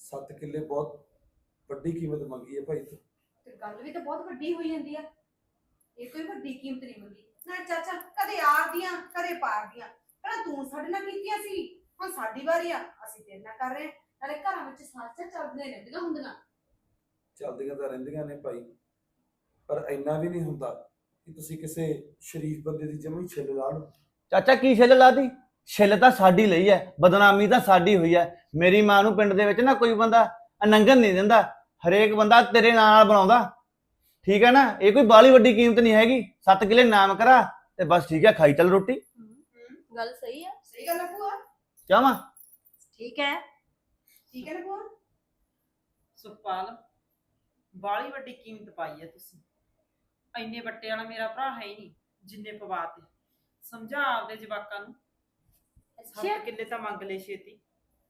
7 ਕਿੱਲੇ ਬਹੁਤ ਵੱਡੀ ਕੀਮਤ ਮੰਗੀ ਹੈ ਭਾਈ ਤੂੰ। ਤੇ ਗੱਲ ਵੀ ਤਾਂ ਬਹੁਤ ਵੱਡੀ ਹੋਈ ਜਾਂਦੀ ਆ। ਇਹ ਕੋਈ ਵੱਡੀ ਕੀਮਤ ਨਹੀਂ ਮੰਗੀ ਨਾ ਚਾਚਾ, ਕਦੇ ਆਰ ਦੀਆਂ ਕਦੇ ਪਾਰ ਦੀਆਂ। ਪਹਿਲਾਂ ਤੂੰ ਸਾਡੇ ਨਾਲ ਕੀਤੀਆਂ ਸੀ, ਹੁਣ ਸਾਡੀ ਵਾਰੀ ਆ, ਅਸੀਂ ਤੇਰੇ ਨਾਲ ਕਰ ਰਹੇ। ਨਾਲੇ ਘਰਾਂ ਵਿੱਚ ਸਾਥ ਚੱਲਦੇ ਰਹਿੰਦੀਆਂ ਹੁੰਦੀਆਂ। ਚੱਲਦੀਆਂ ਤਾਂ ਰਹਿੰਦੀਆਂ ਨੇ ਭਾਈ, ਪਰ ਇੰਨਾ ਵੀ ਨਹੀਂ ਹੁੰਦਾ ਕਿ ਤੁਸੀਂ ਕਿਸੇ ਸ਼ਰੀਫ ਬੰਦੇ ਦੀ ਜਮੀ ਛਿੱਲ ਲਾ ਲਓ। ਚਾਚਾ ਕੀ ਛਿੱਲ ਲਾਦੀ? ਛਿੱਲ ਤਾਂ ਸਾਡੀ ਲਈ ਹੈ, ਬਦਨਾਮੀ ਤਾਂ ਸਾਡੀ ਹੋਈ ਹੈ। ਮੇਰੀ ਮਾਂ ਨੂੰ ਪਿੰਡ ਦੇ ਵਿੱਚ ਨਾ ਕੋਈ ਬੰਦਾ ਨੰਗਨ ਨਹੀਂ ਦਿੰਦਾ, ਹਰੇਕ ਬੰਦਾ ਤੇਰੇ ਨਾਲ ਬਣਾਉਂਦਾ, ਠੀਕ ਹੈ ਨਾ। ਇਹ ਕੋਈ ਬਾਲੀ ਵੱਡੀ ਕੀਮਤ ਨਹੀਂ ਹੈਗੀ। 7 ਕਿੱਲੇ ਨਾਮ ਕਰਾ ਤੇ ਬਸ ਠੀਕ ਹੈ, ਖਾਈ ਚੱਲ ਰੋਟੀ। ਗੱਲ ਸਹੀ ਆ। ਸਹੀ ਗੱਲ ਹੈ ਭੂਆ। ਚਾਹਾਂ ਠੀਕ ਹੈ ਠੀਕ ਹੈ ਨਾ ਭੂਆ। ਸੁਖਪਾਲ, ਬਾਲੀ ਵੱਡੀ ਕੀਮਤ ਪਾਈ ਹੈ ਤੁਸੀਂ। ਇੰਨੇ ਵੱਟੇ ਵਾਲਾ ਮੇਰਾ ਭਰਾ ਹੈ ਹੀ ਨਹੀਂ ਜਿੰਨੇ ਪਵਾਤੇ। ਸਮਝਾ ਆਪਦੇ ਜਵਾਕਾਂ ਨੂੰ। 7 ਕਿੱਲੇ ਤਾਂ ਮੰਗ ਲੈ ਛੇਤੀ।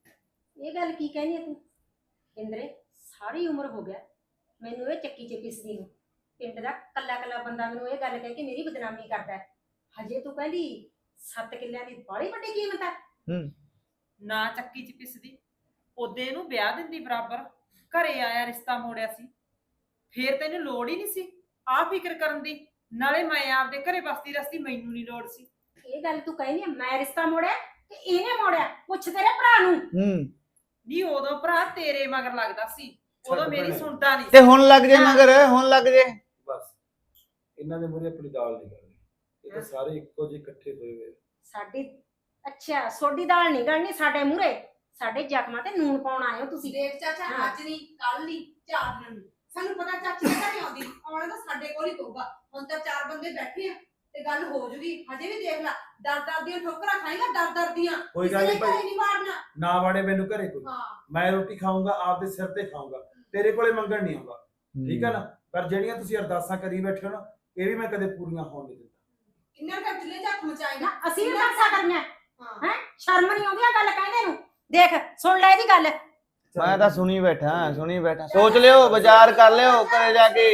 ਇਹ ਗੱਲ ਕੀ ਕਹਿਨੀ ਹੈ ਤੂੰ? ਇੰਦਰੇ, ਸਾਰੀ ਉਮਰ ਹੋ ਗਿਆ ਮੈਨੂੰ ਇਹ ਚੱਕੀ 'ਚ ਪਿਸਦੀ ਨੂੰ। ਪਿੰਡ ਦਾ ਕੱਲਾ ਕੱਲਾ ਬੰਦਾ ਮੈਨੂੰ ਇਹ ਗੱਲ ਕਹਿ ਕੇ ਮੇਰੀ ਬਦਨਾਮੀ ਕਰਦਾ ਹੈ। ਹਜੇ ਤੂੰ ਕਹਿੰਦੀ 7 ਕਿੱਲਿਆਂ ਦੀ ਬਾਲੀ ਵੱਡੀ ਕੀਮਤ ਹੈ। ਨਾ ਚੱਕੀ ਚ ਪਿਸਦੀ, ਉਹਦੇ ਇਹਨੂੰ ਵਿਆਹ ਦਿੰਦੀ ਬਰਾਬਰ। ਘਰੇ ਆਇਆ ਰਿਸ਼ਤਾ ਮੋੜਿਆ ਸੀ, ਫੇਰ ਤੈਨੂੰ ਲੋੜ ਹੀ ਨਹੀਂ ਸੀ ਆਹ ਫਿਕਰ ਕਰਨ ਦੀ। ਨਾਲੇ ਮੈਂ ਆਪਦੇ ਘਰੇ ਬਸਦੀ ਰਸਤੀ, ਮੈਨੂੰ ਨਹੀਂ ਲੋੜ ਸੀ। ਇਹ ਗੱਲ ਤੂੰ ਕਹਿਨੀ ਹੈ ਮੈਂ ਰਿਸ਼ਤਾ ਮੋੜਿਆ ਕਿ ਇਹਨੇ ਮੋੜਿਆ? ਪੁੱਛ ਤੇਰੇ ਭਰਾ ਨੂੰ। ਨਹੀਂ, ਉਦੋਂ ਭਰਾ ਤੇਰੇ ਮਗਰ ਲੱਗਦਾ ਸੀ, ਉਦੋਂ ਛੱਡ ਮੇਰੀ ਭੈਣੇ। ਸੁਣਦਾ ਨਹੀਂ ਤੇ ਸੀ। ਹੁਣ ਲੱਗ ਜੇ ਮਗਰ, ਹੁਣ ਲੱਗ ਜੇ। ਬਸ ਇਹਨਾਂ ਦੇ ਮੂਹਰੇ ਆਪਣੀ ਦਾਲ ਨਹੀਂ ਕਰਨੀ। ਇਹ ਤਾਂ ਸਾਰੇ ਇੱਕੋ ਜਿਹੇ ਇਕੱਠੇ ਹੋਏ ਹੋਏ। ਸਾਡੀ ਅੱਛਾ, ਸੋਡੀ ਦਾਲ ਨਹੀਂ ਗਲਣੀ ਸਾਡੇ ਮੂਹਰੇ। ਸਾਡੇ ਜ਼ਖਮਾਂ ਤੇ ਨੂਨ ਪਾਉਣ ਆਏ ਹੋ ਤੁਸੀਂ। ਦੇਖ ਚਾਚਾ, ਹਾਂ। ਅੱਜ ਨਹੀਂ ਕੱਲ ਨਹੀਂ 4 ਦਿਨ ਨੂੰ ਸਾਨੂੰ ਪਤਾ ਚਾਚੀ ਦੇ ਘਰੇ ਆਉਂਦੀ, ਆਉਣਾ ਤਾਂ ਸਾਡੇ ਕੋਲ ਹੀ ਪਊਗਾ। ਹੁਣ ਤਾਂ 4 ਬੰਦੇ ਬੈਠੇ ਆ ਤੇ ਗੱਲ ਹੋ ਜੂਗੀ। ਹਜੇ ਵੀ ਦੇਖ ਲੈ, ਡਰ ਦੀਆਂ ਠੋਕਰਾਂ ਖਾਏਗਾ, ਡਰ ਦੀਆਂ। ਕੋਈ ਗੱਲ ਨਹੀਂ ਭਾਈ, ਨਹੀਂ ਮਾਰਨਾ। ਨਾ ਵਾੜੇ ਮੈਨੂੰ ਘਰੇ ਕੋਈ। ਹਾਂ, ਮੈਂ ਰੋਟੀ ਖਾਊਂਗਾ ਆਪਦੇ ਸਿਰ ਤੇ ਖਾਊਂਗਾ, ਤੇਰੇ ਕੋਲੇ ਮੰਗਣ ਨਹੀਂ ਆਉਂਦਾ, ਠੀਕ ਹੈ ਨਾ। ਪਰ ਜਿਹੜੀਆਂ ਤੁਸੀਂ ਅਰਦਾਸਾਂ ਕਰੀ ਬੈਠੇ ਹੋ ਨਾ, ਇਹ ਵੀ ਮੈਂ ਕਦੇ ਪੂਰੀਆਂ ਹੋਣ ਨਹੀਂ ਦਿੰਦਾ। ਕਿੰਨਾ ਕਰ ਚੁੱਲੇ ਹੱਥ ਮਚਾਏਗਾ। ਨਾ ਅਸੀਂ ਵੀ ਦੱਸਾ ਕਰਨਾ ਹਾਂ, ਹੈ। ਸ਼ਰਮ ਨਹੀਂ ਆਉਂਦੀ ਆ ਗੱਲ ਕਹਿੰਦੇ ਨੂੰ। ਦੇਖ ਸੁਣ ਲੈ ਇਹਦੀ ਗੱਲ। ਮੈਂ ਤਾਂ ਸੁਣੀ ਬੈਠਾ। ਸੋਚ ਲਿਓ, ਵਿਚਾਰ ਕਰ ਲਿਓ ਘਰੇ ਜਾ ਕੇ।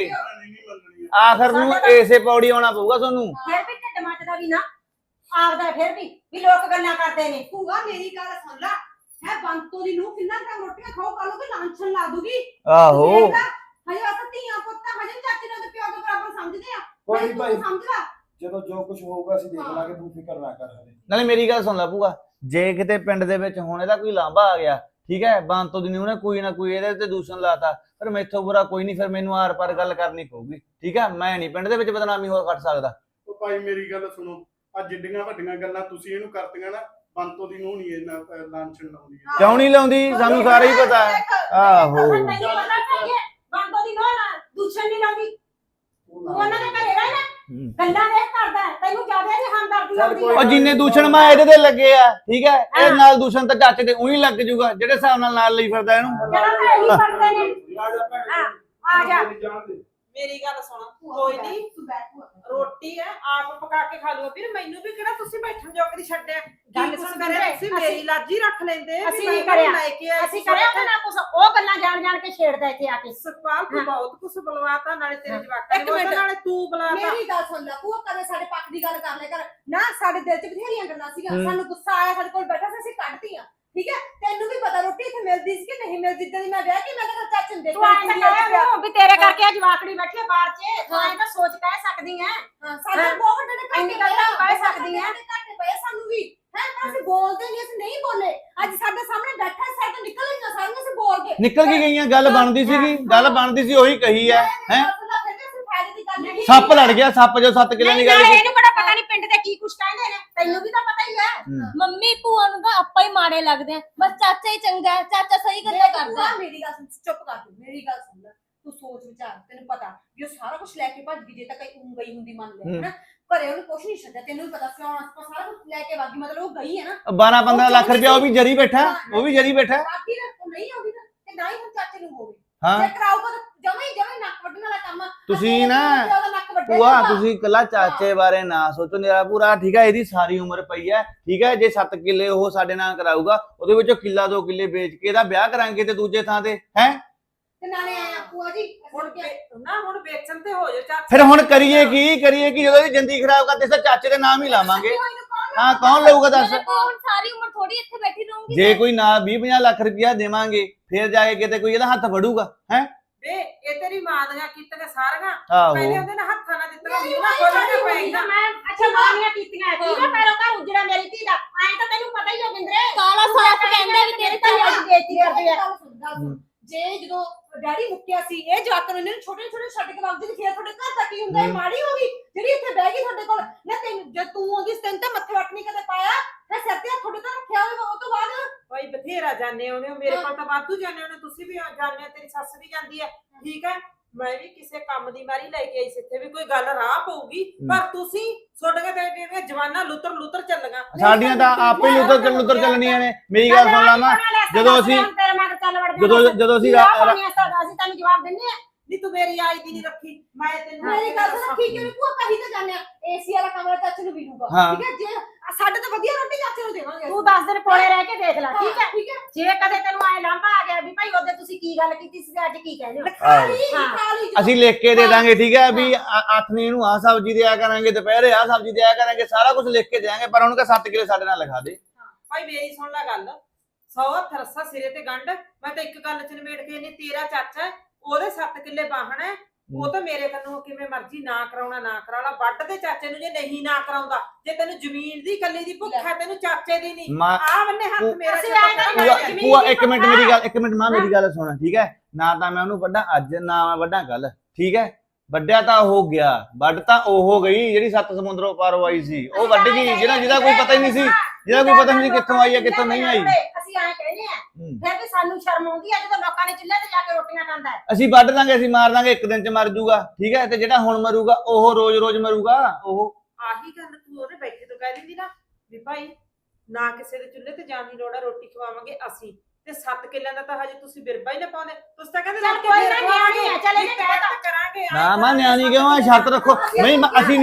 ਆਖਰ ਨੂੰ ਏਸੇ ਪੌੜੀ ਆਉਣਾ ਪਊਗਾ ਤੁਹਾਨੂੰ। ਫਿਰ ਵੀ ਢਿੱਡ ਮੱਚਦਾ ਵੀ ਨਾ ਆਪਦਾ, ਫਿਰ ਵੀ ਲੋਕ ਗੱਲਾਂ ਕਰਦੇ ਨੇ। ਭੂਆ ਮੇਰੀ ਗੱਲ ਸੁਣ ਲੈ। ਹੈ ਬੰਤੋ ਦੀ ਨੂੰ ਕਿੰਨਾ ਟਾਈਮ ਰੋਟੀਆਂ ਖਾਓ, ਕੱਲ ਨੂੰ ਲਾਂਛਣ ਲਾ ਦੂਗੀ। ਆਹੋ, ਹਜੇ ਅਸਾਂ ਧੀਆਂ ਪੁੱਤਾਂ, ਹਜੇ ਚਾਚੇ ਨਾਲ ਤੇ ਪਿਓ ਦੇ ਬਰਾਬਰ ਸਮਝਦੇ ਆ। ਕੋਈ ਨਹੀਂ ਭਾਈ, ਸਮਝ ਲੈ। ਜਦੋਂ ਜੋ ਕੁਝ ਹੋਊਗਾ ਅਸੀਂ ਦੇਖ ਲਾਂਗੇ, ਤੂੰ ਫਿਕਰ ਨਾ ਕਰ ਹਲੇ। ਨਾਲੇ ਮੇਰੀ ਗੱਲ ਸੁਣ ਲੈ ਭੂਆ, ਜੇ ਕਿਤੇ ਪਿੰਡ ਦੇ ਵਿੱਚ ਹੁਣ ਇਹਦਾ ਕੋਈ ਲਾਂਭਾ ਆ ਗਿਆ, ਠੀਕ ਹੈ, ਬੰਤੋ ਦੀ ਉਹਨੇ ਕੋਈ ਨਾ ਕੋਈ ਇਹਦੇ ਤੇ ਦੂਸ਼ਣ ਲਾਤਾ, ਪਰ ਮੈਥੋਂ ਬੁਰਾ ਕੋਈ ਨਹੀਂ। ਫਿਰ ਮੈਨੂੰ ਆਰ ਪਾਰ ਗੱਲ ਕਰਨੀ ਪਊਗੀ, ਠੀਕ ਹੈ। ਮੈਂ ਨਹੀਂ ਪਿੰਡ ਦੇ ਵਿੱਚ ਬਦਨਾਮੀ ਹੋ ਕੱਟ ਸਕਦਾ। ਉਹ ਭਾਈ ਮੇਰੀ ਗੱਲ ਸੁਣੋ, ਆ ਜਿੱਡੀਆਂ ਵੱਡੀਆਂ ਗੱਲਾਂ ਤੁਸੀਂ ਇਹਨੂੰ ਕਰਤੀਆਂ ਨਾ, ਬੰਤੋ ਦੀ ਨੂੰ ਨਹੀਂ ਇਹਨਾਂ ਲਾਂਛਣ ਲਾਉਂਦੀ ਹੈ। ਕਿਉਂ ਨਹੀਂ ਲਾਉਂਦੀ? ਸਾਨੂੰ ਸਾਰਾ ਹੀ ਪਤਾ ਹੈ। ਆਹੋ, ਤੈਨੂੰ ਪਤਾ ਕਿ ਇਹ ਬੰਦੋ ਦੀ ਨੋਹ ਨਾ ਦੂਸ਼ਣ ਨਹੀਂ ਲਾਉਂਦੀ। ਤੂੰ ਉਹਨਾਂ ਦੇ ਘਰੇ ਰਹਿ ਨਾ, ਗੱਲਾਂ ਦੇਖ ਕਰਦਾ ਹੈ, ਤੈਨੂੰ ਜ਼ਿਆਦਾ ਨਹੀਂ ਹਮਦਰਦੀ ਆਉਂਦੀ ਉਹ ਹੈ। ਜਿੰਨੇ ਦੂਸ਼ਣ ਮੈਂ ਇਹਦੇ ਤੇ ਲੱਗੇ ਆ, ਠੀਕ ਹੈ, ਇਹ ਨਾਲ ਦੂਸ਼ਣ ਤਾਂ ਚਾਚੇ ਤੇ ਉਹੀ ਲੱਗ ਜੂਗਾ, ਜਿਹੜੇ ਹਿਸਾਬ ਨਾਲ ਲਈ ਫਿਰਦਾ ਇਹਨੂੰ। ਜਦੋਂ ਤਾਂ ਇਹੀ ਕਰਦੇ ਨੇ। ਆ ਜਾ ਭੈਣ, ਆ ਜਾ। ਜਾਣ ਦੇ। ਮੇਰੀ ਗੱਲ ਸੁਣ, ਕੋਈ ਨਹੀਂ, ਤੂੰ ਬੈਠ ਭੂਆ। ਰੋਟੀ ਹੈ ਆਪ ਪਕਾ ਕੇ ਖਾ ਲਓ। ਫਿਰ ਮੈਨੂੰ ਵੀ ਕਿਹੜਾ ਤੁਸੀਂ ਬੈਠਣ ਜੋਗ ਦੀ ਛੱਡਿਆ। ਗੱਲ ਕੀ ਕੁਛ ਸੁਣ ਕਰਿਆ ਵੀਰੇ, ਤੁਸੀਂ? ਮੇਰੀ ਅਸੀਂ- ਲਾਜੀ ਰੱਖ ਲੈਂਦੇ ਵੀ ਅਸੀਂ ਮੈਂ ਨਹੀਂ ਕਰਿਆ। ਲੈ ਕੇ ਆਈ ਅਸੀਂ ਸੀ ਕਰਿਆ ਤਾਂ ਨਾ ਕੁਛ, ਉਹ ਗੱਲਾਂ ਜਾਣ ਕੇ ਛੇੜਦਾ ਇੱਥੇ ਆ ਕੇ। ਸੁਖਪਾਲ, ਤੂੰ ਬਹੁਤ ਕੁਛ ਬੁਲਵਾਤਾ, ਨਾਲੇ ਤੇਰੇ ਜਵਾਕਾਂ ਇੱਕ ਨੂੰ ਮਿੰਟ। ਨਾਲੇ ਤੂੰ ਬੁਲਾਤਾ। ਮੇਰੀ ਗੱਲ ਸੁਣ ਲੈ ਭੂਆ, ਕਦੇ ਸਾਡੇ ਪੱਖ ਦੀ ਗੱਲ ਕਰ ਲੈ ਕਰ ਨਾ। ਸਾਡੇ ਦਿਲ 'ਚ ਬਥੇਰੀਆਂ ਗੱਲਾਂ ਸੀਗੀਆਂ, ਸਾਨੂੰ ਗੁੱਸਾ ਆਇਆ, ਸਾਡੇ ਕੋਲ ਬੈਠਾ ਸੀ, ਅਸੀਂ ਕੱਢਤੀਆਂ, ਠੀਕ ਹੈ। ਤੈਨੂੰ ਵੀ ਪਤਾ ਰੋਟੀ ਇੱਥੇ ਮਿਲਦੀ ਸੀ ਕਿ ਨਹੀਂ ਮਿਲਦੀ। ਜਦੋਂ ਮੈਂ ਵਿਆਹ ਕੇ ਮੈਂ ਤਾਂ ਚਾਚੇ ਨੂੰ ਤੂੰ ਐਂ ਤਾਂ ਕਹਿ ਉਹਨੂੰ ਵੀ ਤੇਰੇ ਕਰਕੇ ਆ ਜਵਾਕੜੀ ਬੈਠੀ ਆ ਬਾਹਰ 'ਚ। ਤੂੰ ਐਂ ਤਾਂ ਸੋਚ ਕਹਿ ਸਕਦੀ ਐ। ਹਾਂ, ਸਾਡੇ ਬਹੁਤ ਵੱਡੇ ਨੇ ਇੰਨੀ ਗੱਲ ਤਾਂ ਕਹਿ ਸਕਦੀ ਐ। ਘੱਟ ਪਏ ਸਾਨੂੰ ਵੀ ਹੈ, ਪਰ ਅਸੀਂ ਬੋਲਦੇ ਨਹੀਂ, ਅਸੀਂ ਨਹੀਂ ਬੋਲੇ। ਅੱਜ ਸਾਡੇ ਸਾਹਮਣੇ ਬੈਠਾ, ਸਾਡੇ ਤੋਂ ਨਿਕਲ ਗਈਆਂ ਸਾਰੀਆਂ, ਅਸੀਂ ਬੋਲ ਕੇ ਨਿਕਲ ਕੇ ਗਈਆਂ, ਗੱਲ ਬਣਦੀ ਸੀਗੀ, ਗੱਲ ਬਣਦੀ ਸੀ, ਉਹੀ ਕਹੀ ਹੈ। ਹੈ ਸੱਪ ਲੜ ਗਿਆ, ਸੱਪ ਜੋ 7 ਕਿੱਲੇ ਦੀ ਗੱਲ ਨਹੀਂ, ਕੀਤੀ। ਇਹਨੂੰ ਬੜਾ ਪਤਾ ਨਹੀਂ ਪਿੰਡ ਦੇ ਕੀ ਕੁਛ ਕਹਿੰਦੇ ਨੇ, ਤੈਨੂੰ ਵੀ ਤਾਂ ਪਤਾ ਹੀ ਹੈ। ਮੰਮੀ ਭੂਆ ਨੂੰ ਤਾਂ ਆਪਾਂ ਹੀ ਮਾੜੇ ਲੱਗਦੇ ਆ, ਬਸ ਚਾਚਾ ਹੀ ਚੰਗਾ ਹੈ, ਚਾਚਾ ਸਹੀ ਗੱਲਾਂ ਕਰਦਾ ਹੈ। ਮੇਰੀ ਗੱਲ ਸੁਣ, ਚੁੱਪ ਕਰ ਤੂੰ, ਮੇਰੀ ਗੱਲ ਸੁਣ ਲੈ। ਤੂੰ ਸੋਚ ਵਿਚਾਰ, ਤੈਨੂੰ ਪਤਾ ਵੀ ਉਹ ਸਾਰਾ ਕੁਝ ਲੈ ਕੇ ਭੱਜ ਗਈ। ਜੇ ਤਾਂ ਕਈ ਗਈ ਹੁੰਦੀ ਮੰਨ ਲੈ, ਹਨਾ, ਘਰੇ ਉਹਨੂੰ ਕੁਝ ਨਹੀਂ ਛੱਡਿਆ। ਤੈਨੂੰ ਵੀ ਪਤਾ ਕਿਉਂ ਆਪਾਂ ਸਾਰਾ ਕੁਝ ਲੈ ਕੇ ਵਾਗੀ, ਮਤਲਬ ਉਹ ਗਈ ਹੈ ਨਾ। 12-15 ਲੱਖ ਰੁਪਇਆ ਉਹ ਵੀ ਜਰੀ ਬੈਠਾ, ਉਹ ਵੀ ਜਰੀ ਬੈਠਾ। ਬਾਕੀ ਨਾ ਨਹੀਂ ਆਉਂਦੀ ਨਾ, ਤੇ ਨਾ ਹੀ ਹੁਣ ਚਾਚੇ ਨੂੰ ਹੋਵੇ। ਹਾਂ, ਜੇ ਕਰਾਊਗਾ ਤਾਂ ਜਮੇ ਨੱਕ ਵੱਢਣ ਵਾਲਾ ਕੰਮ ਆ। ਤੁਸੀਂ ਨਾ ਭੂਆ, ਤੁਸੀਂ ਕੱਲਾ ਚਾਚੇ ਬਾਰੇ ਨਾ ਸੋਚੋ, ਮੇਰਾ ਪੂਰਾ ਠੀਕ ਹੈ, ਇਹਦੀ ਸਾਰੀ ਉਮਰ ਪਈ ਹੈ, ਠੀਕ ਹੈ। ਜੇ 7 ਕਿੱਲੇ ਉਹ ਸਾਡੇ ਨਾਲ ਕਰਾਊਗਾ, ਉਹਦੇ ਵਿੱਚੋਂ ਕਿੱਲਾ 2 ਕਿੱਲੇ ਵੇਚ ਕੇ ਇਹਦਾ ਵਿਆਹ ਕਰਾਂਗੇ ਤੇ ਦੂਜੇ ਥਾਂ ਤੇ ਹੈ। ਤੇ ਨਾਲੇ ਆਇਆ ਭੂਆ ਜੀ, ਹੁਣ ਨਾ ਹੁਣ ਵੇਚਣ ਤੇ ਹੋ ਜਾ ਚਾਚਾ। ਫਿਰ ਹੁਣ ਕਰੀਏ ਕੀ ਜਦੋਂ ਇਹਦੀ ਜ਼ਿੰਦਗੀ ਖਰਾਬ ਕਰਦੇ, ਚਾਚੇ ਦੇ ਨਾਮ ਹੀ ਲਾਵਾਂਗੇ। ਹਾਂ ਕੌਣ ਲਊਗਾ ਦੱਸ? ਮੈਂ ਤਾਂ ਹੁਣ ਸਾਰੀ ਉਮਰ ਥੋੜੀ ਇੱਥੇ ਬੈਠੀ ਰਹੂੰਗੀ। ਜੇ ਕੋਈ ਨਾ 20-50 ਲੱਖ ਰੁਪਇਆ ਦੇਵਾਂਗੇ ਫਿਰ ਜਾ ਕੇ ਕਿਤੇ ਕੋਈ ਇਹਦਾ ਹੱਥ ਫੜੂਗਾ ਹੈ। ਵੇ ਇਹ ਤੇਰੀ ਮਾਂ ਦੀਆਂ ਕੀਤੀਆਂ ਸਾਰੀਆਂ ਪਹਿਲੇ ਆਹੋ ਉਹਦੇ ਨਾਲ ਹੱਥਾਂ ਨਾਲ ਦਿੱਤੀਆਂ ਮੂੰਹ ਨਾਲ ਖੋਲਣੇ ਪਏਗਾ। ਮੈਂ ਅੱਛਾ ਮਾਨੀਆਂ ਕੀਤੀਆਂ ਠੀਕ ਹੈ ਪੈਰੋਂ ਘਰ ਉਜੜਾ ਮੇਰੀ ਧੀ ਦਾ ਐਂ ਤਾਂ ਤੈਨੂੰ ਪਤਾ ਹੀ ਹੋ ਬਿੰਦਰੇ ਕਾਲਾ ਸਾਫ ਕਹਿੰਦਾ ਵੀ ਤੇਰੇ ਤਾਂ ਤਾਂ ਅੱਜ ਬੇਇੱਜ਼ਤੀ ਕਰਦੇ ਆ ਜੇ ਜਦੋਂ ਡੈਡੀ ਮੁੱਕਿਆ ਸੀ ਇਹ ਜਵਾਕਾਂ ਨੂੰ ਇਹਨਾਂ ਨੂੰ ਛੋਟੇ ਛੋਟੇ ਛੱਡ ਕੇ ਵਗਦੀ ਸੀ, ਫਿਰ ਤੁਹਾਡੇ ਘਰ ਦਾ ਕੀ ਹੁੰਦਾ? ਇਹ ਮਾੜੀ ਹੋ ਗਈ ਜਿਹੜੀ ਇੱਥੇ ਬਹਿ ਗਈ ਤੁਹਾਡੇ ਕੋਲ ਨਾ। ਤੈਨੂੰ ਜਦ ਤੂੰ ਆਉਂਦੀ ਸੀ ਤੈਨੂੰ ਤਾਂ ਮੱਥੇ ਵੱਟ ਨਹੀਂ ਕਦੇ ਪਾਇਆ, ਫਿਰ ਸਿਰ ਤੇ ਤੁਹਾਡੇ ਤਾਂ ਰੱਖਿਆ ਹੋਵੇ। ਉਹ ਤੋਂ ਬਾਅਦ ਭਾਈ ਬਥੇਰਾ ਜਾਣੇ ਉਹਨੇ ਮੇਰੇ ਕੋਲ ਤਾਂ ਵਾਧੂ ਜਾਣੇ ਉਹਨੇ, ਤੁਸੀਂ ਵੀ ਜਾਣੇ, ਤੇਰੀ ਸੱਸ ਵੀ ਜਾਂਦੀ ਹੈ ਠੀਕ ਹੈ। ਮੈਂ ਵੀ ਕਿਸੇ ਕੰਮ ਦੀ ਮਾਰੀ ਲੈ ਕੇ ਆਈ ਸੀ ਇੱਥੇ ਵੀ ਕੋਈ ਗੱਲ ਰਾਹ ਪਊਗੀ, ਪਰ ਤੁਸੀਂ ਛੋਟੀਆਂ ਤੇ ਜਵਾਨਾਂ ਲੁੱਤਰ ਚੱਲੀਆਂ। ਸਾਡੀਆਂ ਤਾਂ ਆਪੇ ਹੀ ਲੁੱਤਰ ਚੱਲਣੀਆਂ ਨੇ। ਮੇਰੀ ਗੱਲ ਸੁਣ ਲਾਵਾਂ, ਜਦੋਂ ਅਸੀਂ ਜਦੋਂ ਅਸੀਂ ਅਸੀਂ ਤੈਨੂੰ ਜਵਾਬ ਦਿੰਨੇ ਆ ਨਹੀਂ ਤੂੰ ਮੇਰੀ ਆਈ ਦੀ ਨਹੀਂ ਰੱਖੀ, ਮੈਂ ਤੈਨੂੰ ਮੇਰੀ ਗੱਲ ਸੁਣ, ਠੀਕ ਹੈ ਭੂਆ ਕਹੀ ਤਾਂ ਜਾਂਦੇ ਆ ਏਸੀ ਵਾਲਾ ਕਮਰਾ ਚਾਚੇ ਨੂੰ ਮਿਲੂਗਾ ਹਾਂ। ਠੀਕ ਹੈ। ਜੇ ਸਾਡੇ ਤਾਂ ਵਧੀਆ ਰੋਟੀ ਚਾਚੇ ਨੂੰ ਦੇਵਾਂਗੇ। ਤੂੰ 10 ਦਿਨ ਕੋਲੇ ਰਹਿ ਕੇ ਦੇਖ ਲੈ ਠੀਕ ਹੈ। ਠੀਕ ਹੈ। ਜੇ ਕਦੇ ਤੈਨੂੰ ਐ ਲਾਂਭਾ ਆ ਗਿਆ ਵੀ ਭਾਈ ਉਹਦੇ ਤੁਸੀਂ ਕੀ ਗੱਲ ਕੀਤੀ ਸੀ ਤੇ ਅੱਜ ਕੀ ਕਹਿੰਦੇ ਹੋ ਖਾ ਲਈ ਹਾਂ। ਖਾ ਲਈ ਅਸੀਂ ਲਿਖ ਕੇ ਦੇ ਦਾਂਗੇ ਠੀਕ ਹੈ ਵੀ ਆਥਣੀ ਨੂੰ ਆਹ ਸਬਜ਼ੀ ਦਿਆ ਕਰਾਂਗੇ, ਦੁਪਹਿਰੇ ਆਹ ਸਬਜ਼ੀ ਦਿਆ ਕਰਾਂਗੇ, ਸਾਰਾ ਕੁਝ ਲਿਖ ਕੇ ਦੇਾਂਗੇ। ਪਰ ਉਹਨੂੰ ਕਹ 7 ਕਿਲੋ ਸਾਡੇ ਨਾਲ ਲਿਖਾ ਦੇ। ਭਾਈ ਮੇਰੀ ਸੁਣ ਲੈ ਗੱਲ, 100 ਹੱਥ ਰੱਸਾ ਸਿਰੇ ਤੇ ਗੰਢ। ਮੈਂ ਤਾਂ ਇੱਕ ਗੱਲ ਚ ਨਿਬੇੜ ਕੇ ਨਹੀਂ, ਤੇਰਾ ਚਾਚਾ ਉਹਦੇ 7 ਕਿੱਲੇ ਬਾਹਣ ਹੈ, ਉਹ ਤਾਂ ਮੇਰੇ ਕੰਨੋਂ ਕਿਵੇਂ ਮਰਜ਼ੀ ਨਾ ਕਰਾਉਣਾ ਨਾ ਕਰਾਉਣਾ। ਵੱਢ ਦੇ ਚਾਚੇ ਨੂੰ ਜੇ ਨਹੀਂ ਨਾ ਕਰਾਉਂਦਾ। ਜੇ ਤੈਨੂੰ ਜ਼ਮੀਨ ਦੀ ਕੱਲੀ ਦੀ ਭੁੱਖ ਹੈ ਤੈਨੂੰ ਚਾਚੇ ਦੀ ਨਹੀਂ। ਆ ਬੰਨੇ ਹੱਥ ਮੇਰਾ ਪੂਆ ਇੱਕ ਮਿੰਟ ਮੇਰੀ ਗੱਲ, ਇੱਕ ਮਿੰਟ ਮਾਂ ਮੇਰੀ ਗੱਲ ਸੁਣ ਠੀਕ ਹੈ। ਨਾ ਤਾਂ ਮੈਂ ਉਹਨੂੰ ਵੱਢਾਂ ਅੱਜ, ਨਾ ਮੈਂ ਵੱਢਾਂ ਕੱਲ ਠੀਕ ਹੈ। ਵੱਢਿਆ ਤਾਂ ਹੋ ਗਿਆ, ਵੱਢ ਤਾਂ ਉਹ ਹੋ ਗਈ ਜਿਹੜੀ 7 ਸਮੁੰਦਰੋਂ ਪਾਰੋਂ ਆਈ ਸੀ, ਉਹ ਵੱਢ ਗਈ। ਜਿਹਦਾ ਕੋਈ ਪਤਾ ਹੀ ਨਹੀਂ ਸੀ, ਜਿਹਦਾ ਕੋਈ ਪਤਾ ਨਹੀਂ ਸੀ ਕਿੱਥੋਂ ਆਈ ਹੈ ਕਿੱਥੋਂ ਨਹੀਂ ਆਈ। ਅਸੀਂ ਐਂ ਕਹਿੰਦੇ ਆ ਫਿਰ ਵੀ ਸਾਨੂੰ ਸ਼ਰਮ ਆਉਂਦੀ ਆ ਜਦੋਂ ਲੋਕਾਂ ਨੇ ਚੁੱਲ੍ਹੇ ਤੇ ਜਾ ਕੇ ਰੋਟੀਆਂ ਖਾਂਦਾ ਹੈ। ਅਸੀਂ ਵੱਢ ਦਾਂਗੇ, ਅਸੀਂ ਮਾਰ ਦਾਂਗੇ, ਇੱਕ ਦਿਨ ਚ ਮਰ ਜੂਗਾ ਠੀਕ ਹੈ। ਤੇ ਜਿਹੜਾ ਹੁਣ ਮਰੂਗਾ ਉਹ ਰੋਜ਼ ਮਰੂਗਾ। ਉਹ ਆਹੀ ਗੱਲ ਤੂੰ ਉਹਦੇ ਬੈਠੇ ਤੋਂ ਕਹਿ ਦਿੰਦੀ ਨਾ ਵੀ ਭਾਈ ਨਾ ਕਿਸੇ ਦੇ ਚੁੱਲ੍ਹੇ ਤੇ ਜਾਣ ਦੀ ਲੋੜ ਆ, ਰੋਟੀ ਖਵਾਵਾਂਗੇ ਅਸੀਂ। ਤੇ 7 ਕਿੱਲਿਆਂ ਦਾ ਤਾਂ ਹਜੇ ਤੁਸੀਂ ਬਿਰਬਾ ਹੀ ਨਾ ਪਾਉਂਦੇ। ਤੁਸੀਂ ਤਾਂ ਕਹਿੰਦੇ ਚੱਲ ਕੋਈ ਨਾ, ਨਿਆਣੀ ਆ, ਚੱਲ ਇਹਨੇ ਕਹਿ ਤਾ। ਕਰਾਂਗੇ। ਨਾ ਮਾਂ ਨਿਆਣੀ ਕਿਉਂ ਆ? ਸ਼ਰਤ ਰੱਖੋ। ਨਹੀਂ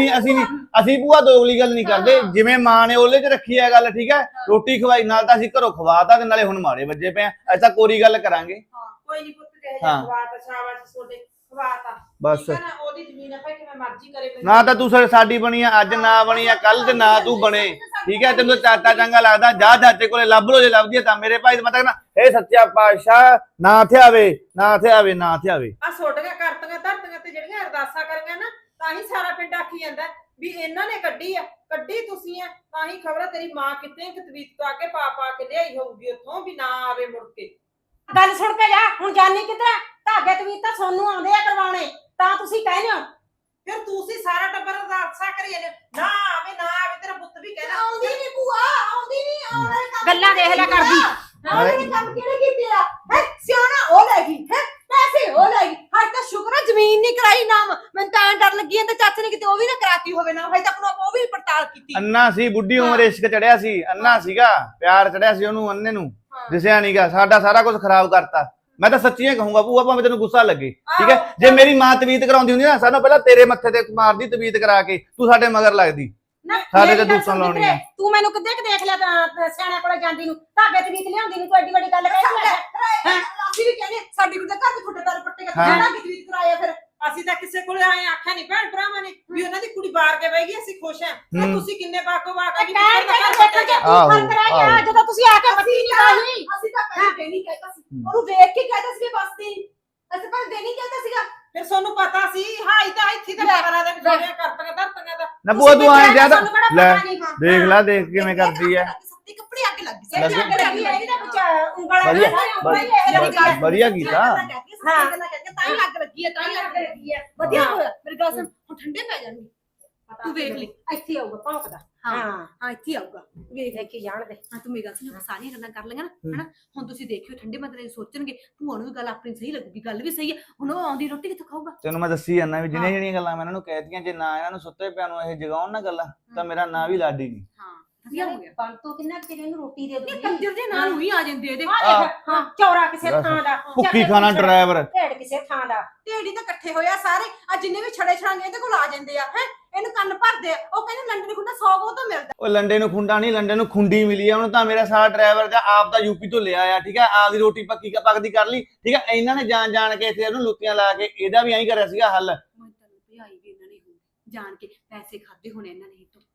ਅਸੀਂ ਭੂਆ ਦੋਗਲੀ ਗੱਲ ਨਹੀਂ ਕਰਦੇ। ਜਿਵੇਂ ਮਾਂ ਨੇ ਉਹਲੇ ਚ ਰੱਖੀ ਹੈ ਗੱਲ ਠੀਕ ਹੈ। ਰੋਟੀ ਖਵਾਈ ਨਾਲ ਤਾਂ ਅਸੀਂ ਘਰੋਂ ਖਵਾਤਾ ਤੇ ਨਾਲੇ ਹੁਣ ਮਾਰੇ ਵੱਜੇ ਪਏ ਆ। ਅਸੀਂ ਤਾਂ ਕੋਰੀ ਗੱਲ ਕਰਾਂਗੇ। ਕੋਈ ਨਹੀਂ ਪੁੱਤ ਕਹੇ ਹਾਂ। ਖਵਾਤਾ, ਸ਼ਾਬਾਸ਼ ਤੁਹਾਡੇ ਖਵਾਤਾ ਬਸ ਠੀਕ ਹੈ ਨਾ। ਉਹਦੀ ਜ਼ਮੀਨ ਆ ਭਾਈ ਕਿਵੇਂ ਮਰਜ਼ੀ ਕਰੇ। ਨਾ ਤਾਂ ਤੂੰ ਸਾਡੀ ਬਣੀ ਆ ਅੱਜ, ਨਾ ਬਣੀ ਆ ਕੱਲ, ਤੇ ਨਾ ਤੂੰ ਬਣੇ ਠੀਕ ਹੈ। ਤੈਨੂੰ ਚਾਚਾ ਚੰਗਾ ਲੱਗਦਾ, ਜਾ ਚਾਚੇ ਕੋਲੇ ਲੱਭ ਲੋ। ਜੇ ਲੱਭਦੀ ਹੈ ਤਾਂ ਮੇਰੇ ਭਾਈ ਮੈਂ ਤਾਂ ਕਹਿੰਦਾ ਇਹ ਸੱਚਾ ਪਾਤਸ਼ਾਹ ਨਾ ਇੱਥੇ ਆਵੇ, ਨਾ ਇੱਥੇ ਆਵੇ, ਨਾ ਇੱਥੇ ਆਵੇ। ਆ ਛੋਟੀਆਂ ਕਰਤੀਆਂ ਧਰਤੀਆਂ ਤੇ ਜਿਹੜੀਆਂ ਅਰਦਾਸਾਂ ਕਰੀਆਂ ਨਾ, ਤਾਂ ਹੀ ਸਾਰਾ ਪਿੰਡ ਆਖੀ ਜਾਂਦਾ ਵੀ ਇਹਨਾਂ ਨੇ ਕੱਢੀ ਆ। ਕੱਢੀ ਤੁਸੀਂ ਆ, ਤਾਂ ਹੀ ਖਬਰ ਤੇਰੀ ਮਾਂ ਕਿਤੇ ਤਵੀਤ ਤੋਂ ਆ ਕੇ ਪਾ ਕੇ ਲਿਆਈ ਹੋਊਗੀ ਉੱਥੋਂ ਵੀ ਨਾ ਆਵੇ ਮੁੜ ਕੇ। ਗੱਲ ਸੁਣ ਕੇ ਜਾ, ਹੁਣ ਜਾਨੀ ਕਿੱਧਰ? ਧਾਗੇ ਤਵੀਤ ਤਾਂ ਸੋਨੂੰ ਆਉਂਦੇ ਆ ਕਰਵਾਉਣੇ, ਤਾਂ ਤੁਸੀਂ ਕਹਿੰਦੇ ਹੋ ਫਿਰ ਤੁਸੀਂ ਸਾਰਾ ਟੱਬਰ ਅਰਦਾਸਾਂ ਕਰੀ ਜਾਂਦੇ ਨਾ ਆਵੇ ਨਾ ਆਵੇ। ਤੇਰਾ ਪੁੱਤ ਵੀ ਕਹਿੰਦਾ ਆਉਂਦੀ ਨਹੀਂ ਭੂਆ, ਆਉਂਦੀ ਨਹੀਂ। ਆਉਣ ਵਾਲੇ ਕੰਮ ਗੱਲਾਂ ਦੇਖ ਲਿਆ ਕਰਦੀ। ਆਉਣ ਵਾਲੇ ਕੰਮ ਕਿਹੜੇ ਕੀਤੇ ਆ? ਹੈ ਸਿਆਣਾ ਉਹ ਲੈ ਗਈ, ਹੈ ਪੈਸੇ ਉਹ ਲੈ ਗਈ। ਹਰ ਤਾਂ ਸ਼ੁਕਰ ਹੈ ਜ਼ਮੀਨ ਨਹੀਂ ਕਰਾਈ ਨਾਮ। ਮੈਨੂੰ ਤਾਂ ਡਰ ਲੱਗੀ ਜਾਂਦਾ ਚਾਚੇ ਨੇ ਕਿਤੇ ਉਹ ਵੀ ਨਾ ਕਰਾਤੀ ਹੋਵੇ ਨਾ। ਹਜੇ ਤੱਕ ਉਹ ਵੀ ਪੜਤਾਲ ਕੀਤੀ। ਅੰਨਾ ਸੀ, ਬੁੱਢੀ ਉਮਰ ਇਸ਼ਕ ਚੜਿਆ ਸੀ। ਅੰਨਾ ਸੀਗਾ, ਪਿਆਰ ਚੜਿਆ ਸੀ ਉਹਨੂੰ, ਅੰਨੇ ਨੂੰ ਦਿਸਿਆ ਨਹੀਂਗਾ। ਸਾਡਾ ਸਾਰਾ ਕੁਝ ਖਰਾਬ ਕਰਤਾ। ਮੈਂ ਤਾਂ ਸੱਚੀਆਂ ਕਹੂੰਗਾ ਭੂਆ, ਭਾਵੇਂ ਤੈਨੂੰ ਗੁੱਸਾ ਲੱਗੇ ਠੀਕ ਹੈ। ਜੇ ਮੇਰੀ ਮਾਂ ਤਵੀਤ ਕਰਾਉਂਦੀ ਹੁੰਦੀ ਨਾ, ਸਾਨੂੰ ਪਹਿਲਾਂ ਤੇਰੇ ਮੱਥੇ ਤੇ ਮਾਰਦੀ ਤਵੀਤ ਕਰਾ ਕੇ, ਤੂੰ ਸਾਡੇ ਮਗਰ ਲੱਗਦੀ। ਸਾਡੇ ਤੇ ਦੂਸਰਾ ਲਾਉਣੀ ਆ। ਤੂੰ ਮੈਨੂੰ ਕਿੱਦੇ ਕਿ ਦੇਖ ਲਿਆ ਤਾਂ ਸਿਆਣੇ ਕੋਲੇ ਜਾਂਦੀ ਨੂੰ, ਧਾਗੇ ਤਵੀਤ ਲਿਆਉਂਦੀ ਨੂੰ ਤੂੰ ਐਡੀ ਵੱਡੀ ਗੱਲ ਕਹਿ ਹੈ ਅਸੀਂ ਵੀ ਕਹਿੰਦੇ ਸਾਡੀ ਕੁੜੀ ਦਾ ਘਰ ਦੇ ਫੁੱਟੇ ਦਰ ਪੱਟੇ ਹਾਂ। ਜਿਹੜਾ ਕਿਤਵੀਤ ਕਰਾਇਆ। ਫਿਰ ਅਸੀਂ ਤਾਂ ਕਿਸੇ ਕੋਲੇ ਆਏ ਆਖਿਆ ਨਹੀਂ ਭੈਣ ਭਰਾਵਾਂ ਨੇ ਵੀ ਉਹਨਾਂ ਦੀ ਕੁੜੀ ਬਾਹਰ ਕੇ ਬਹਿ ਗਈ, ਅਸੀਂ ਖੁਸ਼ ਹਾਂ। ਤੇ ਤੁਸੀਂ ਕਿੰਨੇ ਬਾਗੋ ਬਾਗ ਆ ਜੀ ਕਹਿਣ ਕੇ ਦੇਖੋ ਜੇ ਤੂੰ ਆਹੋ, ਫਰਕ ਰਹਿ ਗਿਆ ਜਦੋਂ ਤੁਸੀਂ ਆ ਕੇ ਬੱਤੀ ਨਹੀਂ ਪਾਈ। ਅਸੀਂ ਤਾਂ ਪਹਿਲਾਂ ਦੇਣੀ ਕਹਿਤਾ ਸੀ, ਉਹਨੂੰ ਵੇਖ ਕੇ ਕਹਿਤਾ ਸੀ ਬਸਤੀ। ਅਸੀਂ ਪਹਿਲਾਂ ਦੇਣੀ ਕਹਿਤਾ ਸੀਗਾ। ਫਿਰ ਤੁਹਾਨੂੰ ਪਤਾ ਸੀ ਹਾਈ ਤਾਂ ਇੱਥੇ ਤਾਂ ਪਤਾ ਦਾ ਵੀ ਜਿਹੜੀਆਂ ਕਰਤੀਆਂ ਧਰਤੀਆਂ ਦਾ। ਨਾ ਭੂਆ ਤੂੰ ਆਏ ਜਿਆਦਾ ਸਾਨੂੰ ਕਿਹੜਾ ਲੈ ਪਤਾ ਨਹੀਂ। ਦੇਖ ਲੈ, ਦੇਖ ਕਿਵੇਂ ਕਰਦੀ ਹੈ। ਸੱਤੀ ਕੱਪੜੇ ਅੱਗ ਲੱਗ ਗਈ। ਲੱਗ ਅੱਗ ਲੱਗੀ ਹੈ ਇਹਦੇ ਵਿੱਚ ਉਂਗਲਾਂ ਵਧੀਆ, ਵਧੀਆ ਵਧੀਆ ਕੀਤਾ। ਹਾਂ ਤਾਂ ਹੀ ਅੱਗ ਲੱਗੀ ਹੈ, ਤਾਂ ਹੀ ਅੱਗ ਲੱਗੀ ਹੈ। ਵਧੀਆ ਹੋਇਆ। ਮੇਰੀ ਗੱਲ ਸੁਣ, ਹੁਣ ਠੰਡੇ ਪੈ ਜਾਣਗੇ। ਤੂੰ ਵੇਖ ਲਈ ਇੱਥੇ ਆਊਗਾ ਭੌਂਕਦਾ। ਹਾਂ ਹਾਂ ਹਾਂ ਇੱਥੇ ਆਊਗਾ। ਵੇਖ ਦੇਖੀ ਜਾਣ ਦੇ। ਹਾਂ ਤੂੰ ਮੇਰੀ ਗੱਲ ਸੁਣ, ਸਾਰੀਆਂ ਗੱਲਾਂ ਕਰ ਲਈਆਂ ਨਾ ਹਨਾ। ਹੁਣ ਤੁਸੀਂ ਦੇਖਿਓ ਠੰਡੇ ਮਤਲਬ ਸੋਚਣਗੇ ਭੂਆ ਨੂੰ ਵੀ ਗੱਲ ਆਪਣੀ ਸਹੀ ਲੱਗੂਗੀ। ਗੱਲ ਵੀ ਸਹੀ ਹੈ। ਹੁਣ ਉਹ ਆਉਂਦੀ ਰੋਟੀ ਕਿੱਥੋਂ ਖਾਊਗਾ? ਤੈਨੂੰ ਮੈਂ ਦੱਸੀ ਜਾਂਦਾ ਵੀ ਜਿਹੜੀਆਂ ਜਿਹੜੀਆਂ ਗੱਲਾਂ ਮੈਂ ਇਹਨਾਂ ਨੂੰ ਕਹਿਤੀਆਂ, ਜੇ ਨਾ ਇਹਨਾਂ ਨੂੰ ਸੁੱਤੇ ਪਿਆ ਨੂੰ ਇਹ ਜਗਾਉਣ ਨਾ ਗੱਲਾਂ, ਤਾਂ ਮੇਰਾ ਨਾਂ ਵੀ ਲਾਡੀ ਨਹੀਂ। ਹਾਂ ਵਧੀਆ ਹੋ ਗਿਆ। ਬਣ ਤੋਂ ਕਿੰਨਾ ਚਿਰ ਇਹਨੂੰ ਰੋਟੀ ਦੇ ਇਹ ਦੂਗੀ। ਕੰਜਰ ਦੇ ਨਾਲ ਹੀ ਆ ਜਾਂਦੇ ਇਹਦੇ। ਆ ਦੇਖ ਹਾਂ ਚੌਰਾ ਕਿਸੇ ਥਾਂ ਦਾ, ਭੁੱਖੀ ਖਾਣਾ ਡਰਾਈਵਰ। ਢੇਡ ਕਿਸੇ ਥਾਂ ਦਾ। ਢੇੜੀ ਤਾਂ ਇਕੱਠੇ ਹੋਇਆ ਸਾਰੇ। ਆ ਜਿੰਨੇ ਵੀ ਛੜੇ ਛੜਾਂਗੇ ਇਹਦੇ ਕੋਲ ਆ ਜਾਂਦੇ ਆ। ਹੈ ਇਹਨੂੰ ਕੰਨ ਭਰਦੇ ਆ। ਉਹ ਕਹਿੰਦੇ ਲੰਡਨ ਖੁੰਡਾ 100 ਕੋ ਤੋਂ ਮਿਲਦਾ। ਉਹ ਲੰਡੇ ਨੂੰ ਖੁੰਡਾ ਨਹੀਂ, ਲੰਡੇ ਨੂੰ ਖੁੰਡੀ ਮਿਲੀ ਆ ਉਹਨੂੰ। ਤਾਂ ਮੇਰਾ ਸਾਰਾ ਡਰਾਈਵਰ ਦਾ ਆਪ ਦਾ ਯੂਪੀ ਤੋਂ ਲਿਆ ਆ ਠੀਕ ਹੈ। ਆਪ ਦੀ ਰੋਟੀ ਪੱਕਦੀ ਕਰ ਲਈ ਠੀਕ ਹੈ। ਇਹਨਾਂ ਨੇ ਜਾਣ ਕੇ ਇੱਥੇ ਉਹਨੂੰ ਲੁੱਤੀਆਂ ਲਾ ਕੇ ਇਹਦਾ ਵੀ ਐਂ ਕਰਿਆ ਸੀਗਾ ਹੱਲ। ਮੈਂ ਤਾਂ ਭਜਾਈ ਵੀ ਇਹਨਾਂ ਨੇ ਹੋ ਜਾਣ ਕੇ ਪੈਸੇ ਖਾਦੇ ਹੋਣੇ ਇਹਨਾਂ ਨੇ।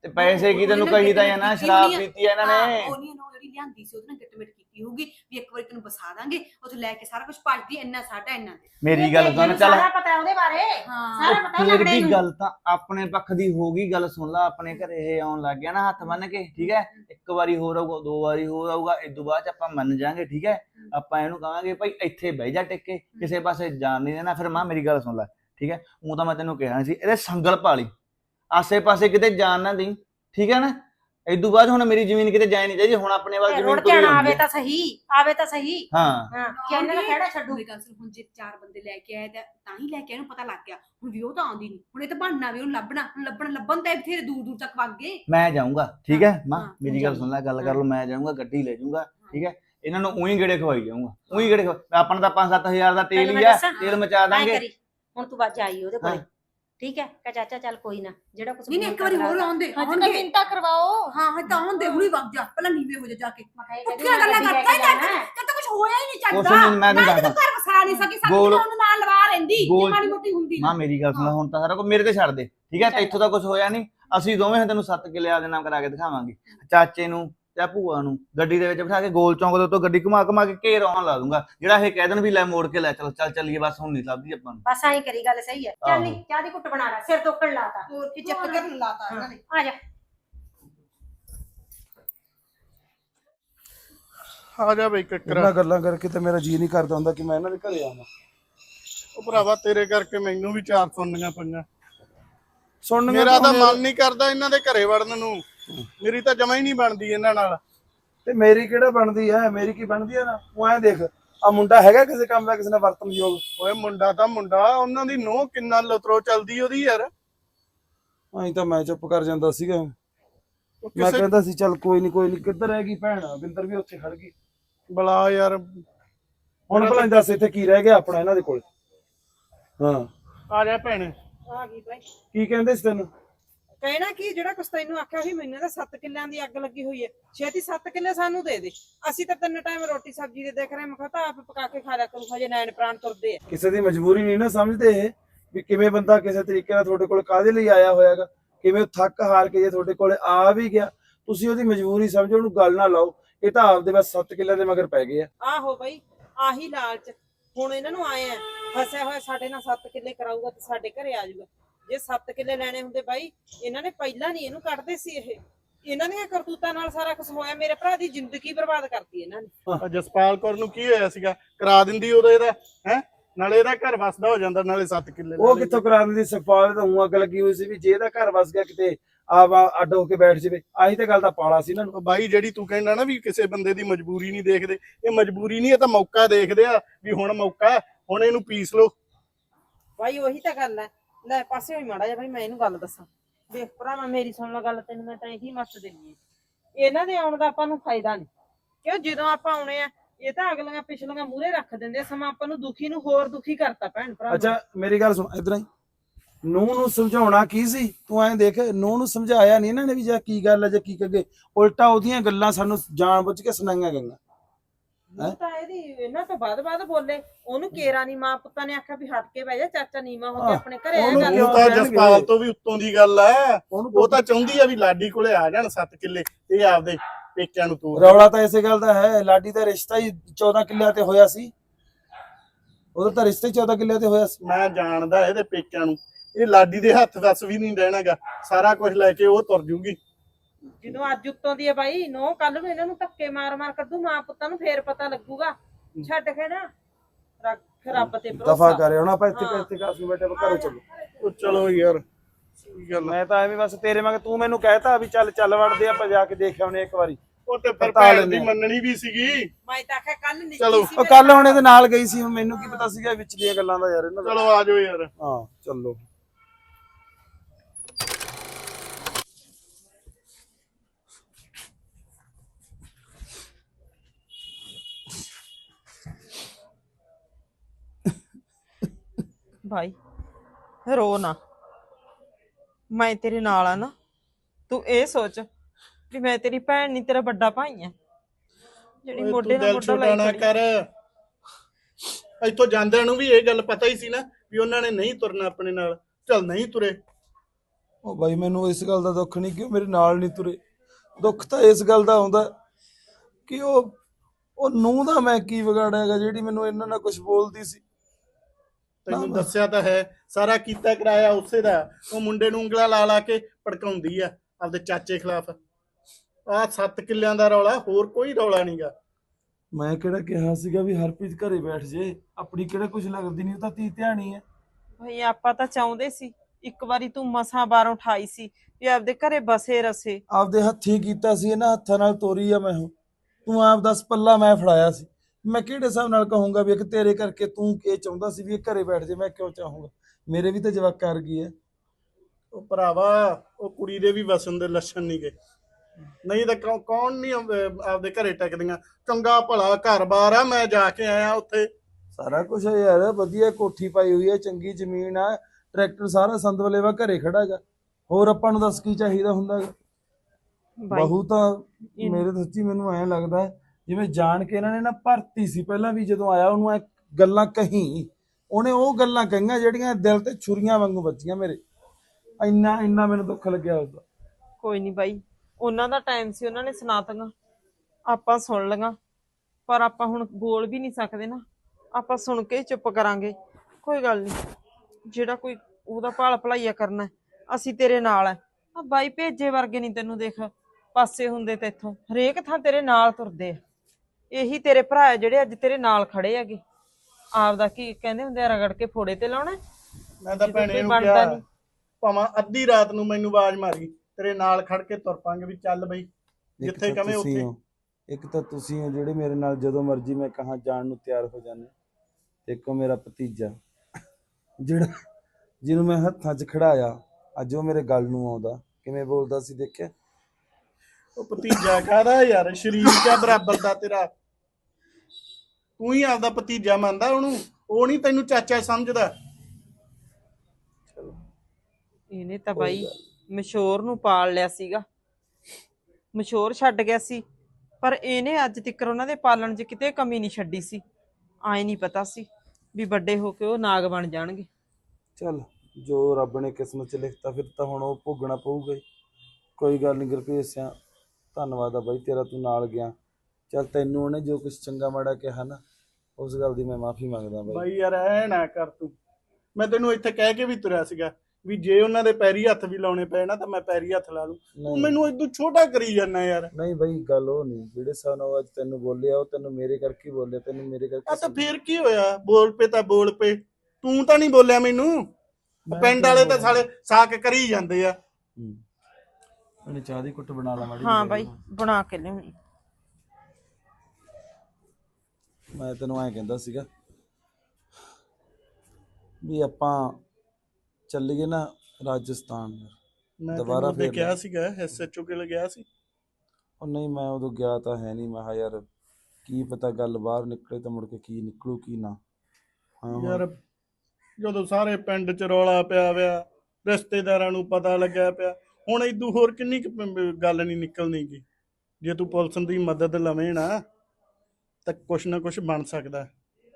ਤੇ ਪੈਸੇ ਕੀ ਤੈਨੂੰ ਕਹੀ ਤਾਂ ਜਾਣਾ, ਸ਼ਰਾਬ ਪੀਤੀ ਆ ਇਹਨਾਂ ਨੇ। ਉਹ ਨਹੀਂ ਉਹ ਜਿਹੜੀ ਲਿਆਂਦੀ ਸੀ ਉਹਦੇ ਨਾਲ ਗਿੱਟਮਿਟ ਕੀਤੀ ਹੋਊਗੀ ਵੀ ਇੱਕ ਵਾਰੀ ਤੈਨੂੰ ਬਸਾ ਦਾਂਗੇ ਉੱਥੇ ਲੈ ਕੇ ਸਾਰਾ ਕੁਝ ਭੱਜਦੀ ਇੰਨਾ ਸਾਡਾ ਇੰਨਾ ਦੇ। ਮੇਰੀ ਗੱਲ ਸੁਣ, ਚੱਲ ਸਾਰਾ ਪਤਾ ਉਹਦੇ ਬਾਰੇ, ਹਾਂ ਸਾਰਾ ਪਤਾ ਫਿਰ ਲੱਗਣੇ ਵੀ ਨੂੰ। ਗੱਲ ਤਾਂ ਆਪਣੇ ਪੱਖ ਦੀ ਹੋ ਗਈ। ਗੱਲ ਸੁਣ ਲਾ, ਆਪਣੇ ਘਰੇ ਇਹ ਆਉਣ ਲੱਗ ਗਿਆ ਨਾ ਹੱਥ ਬੰਨ ਕੇ, ਠੀਕ ਹੈ, ਇੱਕ ਵਾਰੀ ਹੋਰ ਆਊਗਾ, 2 ਵਾਰੀ ਹੋਰ ਆਊਗਾ, ਇਸ ਤੋਂ ਬਾਅਦ ਚ ਆਪਾਂ ਮੰਨ ਜਾਾਂਗੇ, ਠੀਕ ਹੈ। ਆਪਾਂ ਇਹਨੂੰ ਕਹਾਂਗੇ ਭਾਈ ਇੱਥੇ ਬਹਿ ਜਾ ਟਿਕ ਕੇ, ਕਿਸੇ ਪਾਸੇ ਜਾਣ ਨਹੀਂ ਦੇਣਾ। ਫਿਰ ਮਾਂ ਮੇਰੀ ਗੱਲ ਸੁਣ ਲੈ, ਠੀਕ ਹੈ, ਉਹ ਤਾਂ ਮੈਂ ਤੈਨੂੰ ਕਿਹਾ ਸੀ ਇਹਦੇ ਸੰਗਲ ਪਾਲੀ, ਆਸੇ ਪਾਸੇ ਕਿਤੇ ਜਾਣ ਨਾ ਦੇਈਂ, ਠੀਕ ਹੈ ਨਾ। ਇਸ ਤੋਂ ਬਾਅਦ ਹੁਣ ਮੇਰੀ ਜ਼ਮੀਨ ਕਿਤੇ ਜਾਏ ਨਹੀਂ ਚਾਹੀਦੀ, ਹੁਣ ਆਪਣੇ ਵੱਲ ਜ਼ਮੀਨ ਰੁੜ ਤੁਰੀ ਜਾਣਾ, ਹੁੰਦੀ ਆਵੇ ਹੈ। ਤਾਂ ਸਹੀ, ਆਵੇ ਤਾਂ ਸਹੀ। ਹਾਂ ਹਾਂ ਕਿ ਇਹਨਾਂ ਦਾ ਖੜਾ ਛੱਡੂ। ਮੇਰੀ ਗੱਲ ਸੁਣ, ਹੁਣ ਜੇ 4 ਬੰਦੇ ਲੈ ਕੇ ਆਏ ਤਾਂ ਹੀ ਲੈ ਕੇ ਇਹਨੂੰ ਪਤਾ ਲੱਗ ਗਿਆ। ਹੁਣ ਵੀ ਉਹ ਤਾਂ ਆਉਂਦੀ ਨਹੀਂ, ਹੁਣ ਇਹ ਤਾਂ ਬਣਨਾ ਵੀ ਉਹਨੂੰ ਲੱਭਣਾ, ਹੁਣ ਲੱਭਣ ਤਾਂ ਬਥੇਰੇ ਦੂਰ ਦੂਰ ਤੱਕ ਵਗ ਗਏ। ਮੈਂ ਜਾਊਂਗਾ, ਠੀਕ ਹੈ ਮਾਂ, ਹਾਂ, ਮੇਰੀ ਗੱਲ ਸੁਣ ਲੈ, ਗੱਲ ਕਰ ਲਓ, ਮੈਂ ਜਾਊਂਗਾ, ਗੱਡੀ ਲੈ ਜਾਊਂਗਾ, ਠੀਕ ਹੈ। ਇਹਨਾਂ ਨੂੰ ਉਹੀ ਗੇੜੇ ਖਵਾਈ ਜਾਊਂਗਾ, ਉਹੀ ਗੇੜੇ ਆਪਣਾ ਤਾਂ 5-7 ਹਜ਼ਾਰ ਦਾ ਤੇਲ ਤੈਨੂੰ ਹੀ ਮੈਂ ਆ, ਦੱਸਾਂ? ਤੇਲ ਮਚਾ ਐਂ ਦਾਂਗੇ। ਕਰੀ, ਹੁਣ ਤੂੰ ਬਾਅਦ ਆਈ ਉਹਦੇ ਕੋਲੇ, ਹਾਂ। ਠੀਕ ਹੈ, ਕਹ ਚਾਚਾ ਚੱਲ ਕੋਈ ਨਾ, ਜਿਹੜਾ ਕੁਝ ਨਹੀਂ ਇੱਕ ਵਾਰੀ ਹੋਰ ਆਉਂਦੇ ਹਜੇ ਤਾਂ ਮਿੰਤਾ ਕਰਵਾਓ। ਹਾਂ ਹਾਂ ਤਾਂ ਆਉਂਦੇ ਹੁਣੀ ਵਗ ਜਾ, ਪਹਿਲਾਂ ਨੀਵੇਂ ਹੋ ਜਾ ਕੇ ਮੈਂ ਪੁੱਠੀਆਂ ਗੱਲਾਂ ਕਰਦਾ ਹੀ ਤਾਂ ਕੁਝ ਹੋਇਆ ਹੀ ਨਹੀਂ ਕੁਛ ਚੱਲਦਾ। ਨਹੀਂ, ਮੈਂ ਨਾ ਨਹੀਂ ਤੈਨੂੰ ਦੱਸਦਾ। ਘਰ ਵਸਾ ਨਹੀਂ ਸਕੀ, ਸਾਡੀ ਗੋਲ- ਉਹਨੂੰ ਨਾਲ ਲਵਾ ਲੈਂਦੀ ਜੇ ਗੋਲ- ਮਾੜੀ ਮੋਟੀ ਹੁੰਦੀ ਮਾਂ ਨਾ। ਮੇਰੀ ਗੱਲ ਸੁਣ, ਹੁਣ ਤਾਂ ਸਾਰਾ ਕੁਝ ਮੇਰੇ ਤੇ ਛੱਡ ਦੇ, ਠੀਕ ਹੈ। ਤੇ ਇੱਥੋਂ ਤਾਂ ਕੁਝ ਹੋਇਆ ਨਹੀਂ, ਅਸੀਂ ਦੋਵੇਂ ਤੈਨੂੰ 7 ਕਿੱਲੇ ਆਪਦੇ ਨਾਮ ਕਰਾ ਕੇ ਦਿਖਾਵਾਂਗੇ। ਚਾਚੇ ਨੂੰ ਜਾਂ ਭੂਆ ਨੂੰ ਗੱਡੀ ਦੇ ਵਿੱਚ ਬਿਠਾ ਕੇ ਗੋਲ ਚੌਂਕ ਦੇ ਉੱਤੋਂ ਗੱਡੀ ਘੁਮਾ ਘੁਮਾ ਕੇ ਘੇਰ ਆਉਣ ਲਾ ਦੂੰਗਾ। ਜਿਹੜਾ ਇਹ ਕਹਿ ਦੇਣ ਵੀ ਲੈ ਮੋੜ ਕੇ ਲੈ ਚੱਲ ਚੱਲੀਏ, ਬਸ ਹੁਣ ਨਹੀਂ ਲੱਭਦੀ ਆਪਾਂ ਨੂੰ। ਬਸ ਐਂ ਕਰੀ, ਗੱਲ ਸਹੀ ਹੈ। ਚੱਲ ਨਹੀਂ, ਚਾਹ ਦੀ ਘੁੱਟ ਬਣਾ ਲੈ, ਸਿਰ ਦੁੱਖਣ ਲਾਤਾ। ਹੋਰ ਕੀ ਚੱਕ ਕਰਨ ਲਾਤਾ ਇਹਨਾਂ ਨੇ। ਆ ਜਾ। ਆ ਜਾ ਬਈ ਇਹਨਾਂ ਕਿੱਕਰਾ। ਗੱਲਾਂ ਕਰਕੇ ਤੇ ਮੇਰਾ ਜੀ ਨਹੀਂ ਕਰਦਾ ਹੁੰਦਾ ਕਿ ਮੈਂ ਇਹਨਾਂ ਦੇ ਘਰੇ ਆਵਾਂ। ਉਹ ਭਰਾਵਾ ਤੇਰੇ ਕਰਕੇ ਮੈਨੂੰ ਵੀ 4 ਸੁਣਨੀਆਂ ਪਈਆਂ। ਸੁਣਨ ਮੇਰਾ ਤਾਂ ਮਨ ਨਹੀਂ ਕਰਦਾ ਇਹਨਾਂ ਦੇ ਘਰੇ ਵੜਨ ਨੂੰ, ਮੇਰੀ ਤਾਂ ਜਮਾ ਹੀ ਨਹੀਂ ਬਣਦੀ ਇਹਨਾਂ ਨਾਲ। ਤੇ ਮੇਰੀ ਕਿਹੜਾ ਬਣਦੀ ਹੈ, ਮੇਰੀ ਕੀ ਬਣਦੀ ਹੈ ਨਾ। ਉਹ ਐਂ ਦੇਖ, ਆ ਮੁੰਡਾ ਹੈਗਾ ਕਿਸੇ ਕੰਮ ਦਾ, ਕਿਸੇ ਨਾਲ ਵਰਤਨਯੋਗ। ਓਏ ਮੁੰਡਾ ਤਾਂ ਮੁੰਡਾ, ਉਹਨਾਂ ਦੀ ਨੋਹ ਕਿੰਨਾ ਲਤਰੋ ਚੱਲਦੀ ਉਹਦੀ ਯਾਰ। ਐਂ ਤਾਂ ਮੈਂ ਚੁੱਪ ਕਰ ਜਾਂਦਾ ਸੀਗਾ। ਉਹ ਮੈਂ ਕਿਸੇ ਕਹਿੰਦਾ ਸੀ ਚੱਲ ਕੋਈ ਨਹੀਂ ਕਿੱਧਰ ਰਹਿ ਗਈ ਭੈਣ, ਬਿੰਦਰ ਵੀ ਉੱਥੇ ਖੜ ਗਈ। ਬਲਾ ਯਾਰ, ਹੁਣ ਭਲਾ ਦੱਸ ਇੱਥੇ ਕੀ ਰਹਿ ਗਿਆ ਆਪਣਾ ਇਹਨਾਂ ਦੇ ਕੋਲ। ਹਾਂ ਆ ਜਾ ਭੈਣੇ। ਆ ਗਈ ਬਾਈ। ਕੀ ਕਹਿੰਦੇ ਸੀ ਤੈਨੂੰ? ਕਹਿਣਾ ਕੀ, ਜਿਹੜਾ ਕੁਛ ਤੈਨੂੰ ਆਖਿਆ ਸੀ, ਮੈਨੂੰ ਤਾਂ 7 ਕਿੱਲਿਆਂ ਦੀ ਅੱਗ ਲੱਗੀ ਹੋਈ ਹੈ, ਛੇਤੀ 7 ਕਿੱਲੇ ਸਾਨੂੰ ਦੇ ਦੇ। ਅਸੀਂ ਤਾਂ 3 ਟਾਈਮ ਰੋਟੀ ਸਬਜ਼ੀ ਦੇ ਦੇਖ ਰਹੇ, ਮੈਂ ਕਿਹਾ ਤਾਂ ਆਪ ਪਕਾ ਕੇ ਖਾ ਲਿਆ ਕਰੂ, ਹਜੇ ਨੈਣ ਪ੍ਰਾਣ ਤੁਰਦੇ ਆ। ਕਿਸੇ ਦੀ ਮਜਬੂਰੀ ਨਹੀਂ ਨਾ ਸਮਝਦੇ ਇਹ, ਵੀ ਕਿਵੇਂ ਬੰਦਾ ਕਿਸੇ ਤਰੀਕੇ ਨਾਲ ਤੁਹਾਡੇ ਕੋਲ ਕਾਹਦੇ ਲਈ ਆਇਆ ਹੋਇਆਗਾ, ਕਿਵੇਂ ਉਹ ਥੱਕ ਹਾਰ ਕੇ ਜੇ ਤੁਹਾਡੇ ਕੋਲ ਆ ਵੀ ਗਿਆ, ਤੁਸੀਂ ਉਹਦੀ ਮਜਬੂਰੀ ਸਮਝੋ, ਉਹਨੂੰ ਗੱਲ ਨਾ ਲਾਓ। ਇਹ ਤਾਂ ਆਪਦੇ ਬਸ 7 ਕਿੱਲਿਆਂ ਦੇ ਮਗਰ ਪੈ ਗਏ ਆ। ਆਹੋ ਬਈ, ਆਹੀ ਲਾਲਚ ਹੁਣ ਇਹਨਾਂ ਨੂੰ ਆਏ ਆ, ਫਸਿਆ ਹੋਇਆ ਸਾਡੇ ਨਾਲ 7 ਕਿੱਲੇ ਕਰਾਊਗਾ ਤੇ ਸਾਡੇ ਘਰੇ ਆ ਜਾਊਗਾ। ਜੇ 7 ਕਿੱਲੇ ਲੈਣੇ ਹੁੰਦੇ ਬਾਈ, ਇਹਨਾਂ ਨੇ ਪਹਿਲਾਂ ਨਹੀਂ ਇਹਨੂੰ ਕੱਢਦੇ ਸੀ। ਇਹਨਾਂ ਦੀਆਂ ਕਰਤੂਤਾਂ ਨਾਲ ਸਾਰਾ ਕੁਝ ਹੋਇਆ। ਮੇਰੇ ਭਰਾ ਦੀ ਜ਼ਿੰਦਗੀ ਬਰਬਾਦ ਕਰਤੀ ਇਹਨਾਂ ਨੇ। ਆ ਜਸਪਾਲ ਕੌਰ ਨੂੰ ਕੀ ਹੋਇਆ ਸੀਗਾ, ਕਰਾ ਦਿੰਦੀ ਉਦੋਂ ਇਹਦਾ, ਹੈ ਨਾਲੇ ਇਹਦਾ ਘਰ ਵਸਦਾ ਹੋ ਜਾਂਦਾ, ਨਾਲੇ 7 ਕਿੱਲੇ ਉਹ ਕਿੱਥੋਂ ਕਰਾ ਦਿੰਦੀ? ਸੁਖਪਾਲ ਤਾਂ ਊਂ ਅੱਗ ਲੱਗੀ ਹੋਈ ਸੀ ਵੀ ਜੇ ਇਹਦਾ ਘਰ ਵਸ ਗਿਆ ਕਿਤੇ ਆਵਾ ਅੱਡ ਹੋ ਕੇ ਬੈਠ ਜਾਵੇ। ਆਹੀ ਤਾਂ ਗੱਲ ਦਾ ਪਾਲਾ ਸੀ ਇਹਨਾਂ ਨੂੰ। ਉਹ ਬਾਈ ਜਿਹੜੀ ਤੂੰ ਕਹਿੰਦਾ ਨਾ ਵੀ ਕਿਸੇ ਬੰਦੇ ਦੀ ਮਜਬੂਰੀ ਨਹੀਂ ਦੇਖਦੇ, ਇਹ ਮਜਬੂਰੀ ਨਹੀਂ, ਇਹ ਤਾਂ ਮੌਕਾ ਦੇਖਦੇ ਆ ਵੀ ਹੁਣ ਮੌਕਾ ਹੈ, ਹੁਣ ਇਹਨੂੰ ਪੀਸ ਲਓ। ਬਾਈ ਉਹੀ ਤਾਂ ਗੱਲ ਹੈ। ਲੈ ਪਾਸੇ ਹੋਈ ਮਾੜਾ ਜਿਹਾ ਬਾਈ, ਮੈਂ ਇਹਨੂੰ ਗੱਲ ਦੱਸਾਂ। ਦੇਖ ਭਰਾਵਾ ਮੇਰੀ ਸੁਣ ਲੈ ਗੱਲ, ਤੈਨੂੰ ਮੈਂ ਤਾਂ ਇਹੀ ਮੱਤ ਦਿੰਦੀ ਹਾਂ, ਇਹਨਾਂ ਦੇ ਆਉਣ ਦਾ ਆਪਾਂ ਨੂੰ ਫਾਇਦਾ ਨਹੀਂ। ਕਿਉਂ ਜਦੋਂ ਆਪਾਂ ਆਉਣੇ ਆ, ਇਹ ਤਾਂ ਅਗਲੀਆਂ ਪਿਛਲੀਆਂ ਮੂਹਰੇ ਰੱਖ ਦਿੰਦੇ ਆ, ਸਮਾਂ ਆਪਾਂ ਨੂੰ ਦੁਖੀ ਨੂੰ ਹੋਰ ਦੁਖੀ ਕਰਤਾ ਭੈਣ ਭਰਾ। ਅੱਛਾ ਮੇਰੀ ਗੱਲ ਸੁਣ, ਇਧਰ ਹੀ ਨੂੰਹ ਨੂੰ ਸਮਝਾਉਣਾ ਕੀ ਸੀ? ਤੂੰ ਐਂ ਦੇਖ, ਨੂੰਹ ਨੂੰ ਸਮਝਾਇਆ ਨਹੀਂ ਇਹਨਾਂ ਨੇ ਵੀ ਜਾਂ ਕੀ ਗੱਲ ਹੈ ਜਾਂ ਕੀ ਕਹਗੇ, ਉਲਟਾ ਉਹਦੀਆਂ ਗੱਲਾਂ ਸਾਨੂੰ ਜਾਣ ਬੁੱਝ ਕੇ ਸੁਣਾਈਆਂ ਗਈਆਂ। ਉਹ ਤਾਂ ਇਹਦੀ ਇਹਨਾਂ ਤੋਂ ਬਾਅਦ ਬੋਲੇ। ਉਹਨੂੰ ਕੇਰਾ ਨੀ ਮਾਂ ਪੁੱਤਾਂ ਨੇ ਆਖਿਆ ਵੀ ਹਟ ਕੇ ਬਹਿ ਜਾ, ਚਾਚਾ ਨੀਵਾਂ ਹੋ ਕੇ ਆਪਣੇ ਘਰੇ ਆ ਉਹਨੂੰ ਗੱਲ। ਉਹ ਤਾਂ ਜਸਪਾਲ ਤੋਂ ਵੀ ਉੱਤੋਂ ਦੀ ਗੱਲ ਹੈ। ਉਹਨੂੰ ਉਹ ਤਾਂ ਚਾਹੁੰਦੀ ਆ ਵੀ ਲਾਡੀ ਕੋਲੇ ਆ ਜਾਣ 7 ਕਿੱਲੇ, ਇਹ ਆਪਦੇ ਪੇਕਿਆਂ ਨੂੰ ਤੋਰ। ਰੌਲਾ ਤਾਂ ਇਸੇ ਗੱਲ ਦਾ ਹੈ, ਲਾਡੀ ਦਾ ਰਿਸ਼ਤਾ ਹੀ 14 ਕਿੱਲਿਆਂ ਤੇ ਹੋਇਆ ਸੀ। ਉਹਦਾ ਤਾਂ ਰਿਸ਼ਤਾ ਹੀ 14 ਕਿੱਲਿਆਂ ਤੇ ਹੋਇਆ ਸੀ। ਮੈਂ ਜਾਣਦਾ ਇਹਦੇ ਪੇਕਿਆਂ ਨੂੰ, ਇਹ ਲਾਡੀ ਦੇ ਹੱਥ ਵਸ ਵੀ ਨਹੀਂ ਰਹਿਣਾਗਾ, ਸਾਰਾ ਕੁਝ ਲੈ ਕੇ ਉਹ ਤੁਰ ਜੂਗੀ। ਜਦੋਂ ਅੱਜ ਉੱਤੋਂ ਦੀ ਆ ਬਾਈ ਨੋ, ਕੱਲ ਨੂੰ ਇਹਨਾਂ ਨੂੰ ਧੱਕੇ ਮਾਰ ਕੱਢੂ ਮਾਂ ਪੁੱਤਾਂ ਨੂੰ, ਫੇਰ ਪਤਾ ਲੱਗੂਗਾ। ਛੱਡ ਕੇ ਨਾ ਰੱਖ ਰੱਬ ਤੇ ਦਫਾ ਭਰੋਸਾ। ਕਰੇ ਹੁਣ ਆਪਾਂ ਇੱਥੇ ਕਾਸੂ ਬੈਠੇ ਘਰੋਂ ਚੱਲੋ। ਉਹ ਚਲੋ ਯਾਰ, ਸਹੀ ਗੱਲ ਆ। ਮੈਂ ਤਾਂ ਐਵੇਂ ਬਸ ਤੇਰੇ ਮਗਰ, ਤੂੰ ਮੈਨੂੰ ਕਹਿਤਾ ਵੀ ਚੱਲ ਵੜਦੇ ਆਪਾਂ ਜਾ ਕੇ ਦੇਖ ਆਉਣੇ ਇੱਕ ਵਾਰੀ। ਉਹ ਤੇ ਫਿਰ ਪਤਾ ਭੈਣ ਲੈਂਦੇ ਦੀ ਆ। ਮੰਨਣੀ ਵੀ ਸੀਗੀ। ਮੈਂ ਤਾਂ ਆਖਿਆ ਕੱਲ ਨਿੱਕੀ ਚਲੋ। ਸੀ ਉਹ ਕੱਲ ਹੁਣ ਇਹਦੇ ਨਾਲ ਗਈ ਸੀ, ਮੈਨੂੰ ਕੀ ਪਤਾ ਸੀਗਾ ਵਿਚਲੀਆਂ ਗੱਲਾਂ ਦਾ ਯਾਰ ਇਹਨਾਂ ਦਾ। ਚਲੋ ਆ ਜਾਓ ਯਾਰ। ਹਾਂ ਚੱਲੋ। ਭਾਈ ਰੋ ਨਾ, ਮੈਂ ਤੇਰੇ ਨਾਲ ਆ ਨਾ। ਤੂੰ ਇਹ ਸੋਚ ਵੀ ਮੈਂ ਤੇਰੀ ਭੈਣ ਨਹੀਂ, ਤੇਰਾ ਵੱਡਾ ਭਾਈ ਆ, ਜਿਹੜੀ ਓਏ ਮੋਢੇ ਤੂੰ ਨਾਲ ਦਿਲ ਮੋਢਾ ਛੋਟਾ ਨਾ ਲਾਈ ਕਰ। ਇੱਥੋਂ ਜਾਂਦਿਆਂ ਨੂੰ ਵੀ ਇਹ ਗੱਲ ਪਤਾ ਹੀ ਸੀ ਨਾ ਵੀ ਉਹਨਾਂ ਨੇ ਨਹੀਂ ਤੁਰਨਾ ਆਪਣੇ ਨਾਲ। ਚੱਲ ਨਹੀਂ ਤੁਰੇ, ਉਹ ਬਾਈ ਮੈਨੂੰ ਇਸ ਗੱਲ ਦਾ ਦੁੱਖ ਨਹੀਂ ਕਿ ਉਹ ਮੇਰੇ ਨਾਲ ਨਹੀਂ ਤੁਰੇ, ਦੁੱਖ ਤਾਂ ਇਸ ਗੱਲ ਦਾ ਆਉਂਦਾ ਕਿ ਉਹ ਨੂੰਹ ਦਾ ਮੈਂ ਕੀ ਵਿਗਾੜਿਆਗਾ ਜਿਹੜੀ ਮੈਨੂੰ ਇਹਨਾਂ ਨਾਲ ਕੁਝ ਬੋਲਦੀ ਸੀ। ਤੈਨੂੰ ਦੱਸਿਆ ਤਾਂ ਹੈ, ਸਾਰਾ ਕੀਤਾ ਕਰਾਇਆ ਉਸੇ ਦਾ। ਉਹ ਮੁੰਡੇ ਨੂੰ ਉਂਗਲਾਂ ਲਾ ਲਾ ਕੇ ਭੜਕਾਉਂਦੀ ਆ ਆਪਦੇ ਚਾਚੇ ਖਿਲਾਫ। ਆਹ 7 ਕਿੱਲਿਆਂ ਦਾ ਰੌਲਾ, ਹੋਰ ਕੋਈ ਰੌਲਾ ਨਹੀਂਗਾ। ਮੈਂ ਕਿਹੜਾ ਕਿਹਾ ਸੀਗਾ ਵੀ ਹਰਪ੍ਰੀਤ ਘਰੇ ਬੈਠ ਜੇ, ਆਪਣੀ ਕਿਹੜਾ ਕੁਝ ਲੱਗਦੀ ਨਹੀਂ, ਉਹ ਤਾਂ ਧੀ ਧਿਆਣੀ ਹੈ। ਭਈ ਆਪਾਂ ਤਾਂ ਚਾਹੁੰਦੇ ਸੀ ਇੱਕ ਵਾਰੀ ਤੂੰ ਮਸਾਂ ਬਾਹਰੋਂ ਉਠਾਈ ਸੀ ਵੀ ਆਪਦੇ ਘਰੇ ਬਸੇ ਰਸੇ। ਆਪਦੇ ਹੱਥੀਂ ਕੀਤਾ ਸੀ, ਇਹਨਾਂ ਹੱਥਾਂ ਨਾਲ ਤੋਰੀ ਆ ਮੈਂ। ਤੂੰ ਆਪ ਦੱਸ, ਪੱਲਾ ਮੈਂ ਫੜਾਇਆ ਸੀ, ਮੈਂ ਕਿਹੜੇ ਹਿਸਾਬ ਨਾਲ ਕਹੂੰਗਾ ਵੀ ਇੱਕ ਤੇਰੇ ਕਰਕੇ ਤੂੰ ਇਹ ਚਾਹੁੰਦਾ ਸੀ ਵੀ ਇਹ ਘਰੇ ਬੈਠ ਜੇ? ਮੈਂ ਕਿਉਂ ਚਾਹੂੰਗਾ? ਮੇਰੇ ਵੀ ਤਾਂ ਜਵਾਕਾਂ ਵਰਗੀ ਹੈ। ਉਹ ਭਰਾਵਾ, ਉਹ ਕੁੜੀ ਦੇ ਵੀ ਵਸਣ ਦੇ ਲੱਛਣ ਨਹੀਂ ਗਏ, ਨਹੀਂ ਤਾਂ ਕੌਣ ਨਹੀਂ ਆਪਦੇ ਘਰੇ ਟਿਕਦੀਆਂ। ਚੰਗਾ ਭਲਾ ਘਰ-ਬਾਰ ਆ, ਮੈਂ ਜਾ ਕੇ ਆਇਆ ਉੱਥੇ। ਸਾਰਾ ਕੁਝ ਹੈ ਯਾਰ, ਵਧੀਆ ਕੋਠੀ ਪਾਈ ਹੋਈ ਹੈ, ਚੰਗੀ ਜ਼ਮੀਨ ਆ, ਟਰੈਕਟਰ ਸਾਰਾ ਸੰਦਵਲੇਵਾ ਘਰੇ ਖੜਾ ਹੈਗਾ, ਹੋਰ ਆਪਾਂ ਨੂੰ ਦੱਸ ਕੀ ਚਾਹੀਦਾ ਹੁੰਦਾ ਗਾ? ਬਹੂ ਤਾਂ ਮੇਰੇ ਤਾਂ ਸੱਚੀ ਮੈਨੂੰ ਐਂ ਲੱਗਦਾ ਹੈ ਜਿਵੇਂ ਜਾਣ ਕੇ ਇਹਨਾਂ ਨੇ ਨਾ ਭਰਤੀ ਸੀ ਪਹਿਲਾਂ ਵੀ। ਜਦੋਂ ਆਇਆ ਉਹਨੂੰ ਐ ਗੱਲਾਂ ਕਹੀ, ਉਹਨੇ ਉਹ ਗੱਲਾਂ ਕਹੀਆਂ ਜਿਹੜੀਆਂ ਦਿਲ ਤੇ ਛੁਰੀਆਂ ਵਾਂਗੂ ਵੱਜੀਆਂ ਮੇਰੇ। ਇੰਨਾ ਮੈਨੂੰ ਦੁੱਖ ਲੱਗਿਆ ਉਸਦਾ। ਕੋਈ ਨਹੀਂ ਬਾਈ, ਉਹਨਾਂ ਦਾ ਟਾਈਮ ਸੀ, ਉਹਨਾਂ ਨੇ ਸੁਣਾਤੀਆਂ, ਆਪਾਂ ਸੁਣ ਲਈਆਂ, ਪਰ ਆਪਾਂ ਹੁਣ ਬੋਲ ਵੀ ਨਹੀਂ ਸਕਦੇ ਨਾ, ਆਪਾਂ ਸੁਣ ਕੇ ਹੀ ਚੁੱਪ ਕਰਾਂਗੇ। ਕੋਈ ਗੱਲ ਨਹੀਂ, ਜਿਹੜਾ ਕੋਈ ਉਹਦਾ ਭਾਲ ਭਲਾਈਆ ਕਰਨਾ ਅਸੀਂ ਤੇਰੇ ਨਾਲ ਹੈ। ਆ ਬਾਈ ਭੇਜੇ ਵਰਗੇ ਨਹੀਂ ਤੈਨੂੰ ਦੇਖ ਪਾਸੇ ਹੁੰਦੇ ਤੇ ਇੱਥੋਂ ਹਰੇਕ ਥਾਂ ਤੇਰੇ ਨਾਲ ਤੁਰਦੇ ਆ। ਇਹੀ ਤੇਰੇ ਭਰਾ ਹੈ ਜਿਹੜੇ ਅੱਜ ਤੇਰੇ ਨਾਲ ਖੜੇ ਹੈਗੇ। ਆਪਦਾ ਕੀ ਕਹਿੰਦੇ ਹੁੰਦੇ ਆ, ਰਗੜ ਕੇ ਫੋੜੇ ਤੇ ਲਾਉਣਾ। ਮੈਂ ਤਾਂ ਜਦੋਂ ਭੈਣੇ ਕੋਈ ਨੂੰ ਬਣਦਾ ਕਿਹਾ ਨੀ। ਭਾਵੇਂ ਅੱਧੀ ਰਾਤ ਨੂੰ ਮੈਨੂੰ ਆਵਾਜ਼ ਮਾਰੀ, ਤੇਰੇ ਨਾਲ ਖੜ ਕੇ ਤੁਰ ਪਾਂਗੇ ਵੀ ਚੱਲ ਬਈ ਜਿੱਥੇ ਕਵੇਂ ਉੱਥੇ। ਇੱਕ ਤਾਂ ਤੁਸੀਂ ਹੋ ਜਿਹੜੇ ਮੇਰੇ ਨਾਲ ਜਦੋਂ ਮਰਜ਼ੀ ਮੈਂ ਕਹਾਂ ਜਾਣ ਨੂੰ ਤਿਆਰ ਹੋ ਜਾਂਦੇ। ਇੱਕ ਉਹ ਮੇਰਾ ਭਤੀਜਾ ਜਿਹੜਾ ਜਿਹਨੂੰ ਮੈਂ ਹੱਥਾਂ 'ਚ ਖੜਾਇਆ, ਅੱਜ ਉਹ ਮੇਰੇ ਗੱਲ ਨੂੰ ਆਉਂਦਾ, ਕਿਵੇਂ ਬੋਲਦਾ ਸੀ ਦੇਖਿਆ? ਉਹ ਭਤੀਜਾ ਕਾਹਦਾ ਯਾਰ, ਸ਼ਰੀਰ ਕਿਆ ਬਰਾਬਰ ਦਾ ਤੇਰਾ। ਤੂੰ ਹੀ ਆਪਦਾ ਭਤੀਜਾ ਮੰਨਦਾ ਉਹਨੂੰ, ਉਹ ਨਹੀਂ ਤੈਨੂੰ ਚਾਚਾ ਸਮਝਦਾ। ਇਹਨੇ ਤਾਂ ਬਾਈ ਮਸ਼ਹੂਰ ਨੂੰ ਪਾਲ ਲਿਆ ਸੀਗਾ, ਮਸ਼ਹੂਰ ਛੱਡ ਗਿਆ ਸੀ, ਪਰ ਇਹਨੇ ਅੱਜ ਤੱਕ ਉਹਨਾਂ ਦੇ ਪਾਲਣ 'ਚ ਕਿਤੇ ਕਮੀ ਨਹੀਂ ਛੱਡੀ ਸੀ। ਆਏ ਨਹੀਂ ਪਤਾ ਸੀ ਵੀ ਵੱਡੇ ਹੋ ਕੇ ਉਹ ਨਾਗ ਬਣ ਜਾਣਗੇ। ਚੱਲ ਜੋ ਰੱਬ ਨੇ ਕਿਸਮਤ 'ਚ ਲਿਖਤਾ ਫਿਰ ਤਾਂ ਹੁਣ ਉਹ ਭੋਗਣਾ ਪਊਗਾ ਹੀ। ਕੋਈ ਗੱਲ ਨਹੀਂ ਗੁਰਪ੍ਰੀਤ ਸਿਆ, ਧੰਨਵਾਦ ਆ ਬਾਈ ਤੇਰਾ, ਤੂੰ ਨਾਲ ਗਿਆ। ਚੱਲ ਤੈਨੂੰ ਉਹਨੇ ਜੋ ਕੁਝ ਚੰਗਾ ਮਾੜਾ ਕਿਹਾ ਨਾ, ਉਸ ਗੱਲ ਦੀ ਮੈਂ ਮਾਫੀ ਮੰਗਦਾ ਬਾਈ। ਬਾਈ ਯਾਰ ਐ ਨਾ ਕਰ ਤੂੰ, ਮੈਂ ਤੈਨੂੰ ਇੱਥੇ ਕਹਿ ਕੇ ਵੀ ਤੁਰਿਆ ਸੀਗਾ ਵੀ ਜੇ ਉਹਨਾਂ ਦੇ ਪੈਰੀ ਹੱਥ ਵੀ ਲਾਉਣੇ ਪਏ ਨਾ ਤਾਂ ਮੈਂ ਪੈਰੀ ਹੱਥ ਲਾ ਲੂੰ। ਤੂੰ ਮੈਨੂੰ ਇਦੋਂ ਛੋਟਾ ਕਰੀ ਜਾਂਦਾ ਯਾਰ। ਨਹੀਂ ਬਾਈ, ਗੱਲ ਉਹ ਨਹੀਂ, ਜਿਹੜੇ ਹਿਸਾਬ ਨਾਲ ਉਹ ਅੱਜ ਤੈਨੂੰ ਬੋਲਿਆ ਉਹ ਤੈਨੂੰ ਮੇਰੇ ਕਰਕੇ ਬੋਲਿਆ, ਤੈਨੂੰ ਮੇਰੇ ਆ ਕਰਕੇ। ਤਾਂ ਫੇਰ ਕੀ ਹੋਇਆ, ਬੋਲ ਪਏ ਤਾਂ ਬੋਲ ਪਏ, ਤੂੰ ਤਾਂ ਨਹੀਂ ਬੋਲਿਆ ਮੈਨੂੰ। ਪਿੰਡ ਵਾਲੇ ਤਾਂ ਸਾਲੇ ਸਾਕ ਕਰੀ ਜਾਂਦੇ ਆ। ਉਹਨੇ ਚਾਹ ਦੀ ਕੁੱਟ ਬਣਾ ਲਾ ਮਾੜੀ। ਹਾਂ ਬਾਈ ਬਣਾ ਕੇ ਲਿਆਉਣੀ। ਮੈਂ ਤੈਨੂੰ ਐਂ ਕਹਿੰਦਾ ਸੀਗਾ ਵੀ ਆਪਾਂ ਚੱਲੀਏ ਨਾ ਰਾਜਸਥਾਨ। ਮੈਂ ਦੁਬਾਰਾ ਤੈਨੂੰ ਫੇਰ ਕਿਹਾ ਸੀਗਾ ਐਸਐਚਓ ਕੋਲ ਗਿਆ ਸੀ। ਉਹ ਨਹੀਂ, ਮੈਂ ਉਦੋਂ ਗਿਆ ਤਾਂ ਹੈ ਨਹੀਂ। ਮੈਂ ਕਿਹਾ ਯਾਰ ਕੀ ਪਤਾ ਗੱਲ ਬਾਹਰ ਨਿਕਲੇ ਤਾਂ ਮੁੜ ਕੇ ਕੀ ਨਿਕਲੂ ਕੀ ਨਾ। ਹਾਂ ਯਾਰ ਜਦੋਂ ਸਾਰੇ ਪਿੰਡ 'ਚ ਰੌਲਾ ਪਿਆ ਵਿਆ, ਰਿਸ਼ਤੇਦਾਰਾਂ ਨੂੰ ਪਤਾ ਲੱਗਿਆ ਪਿਆ, ਹੁਣ ਇਦੋਂ ਹੋਰ ਕਿੰਨੀ ਗੱਲ ਨਹੀਂ ਨਿਕਲਣੀ ਗੀ। ਜੇ ਤੂੰ ਪੁਲਿਸ ਦੀ ਮਦਦ ਲਵੇਂ ਨਾ ਤਾਂ ਕੁਛ ਨਾ ਕੁਛ ਬਣ ਸਕਦਾ।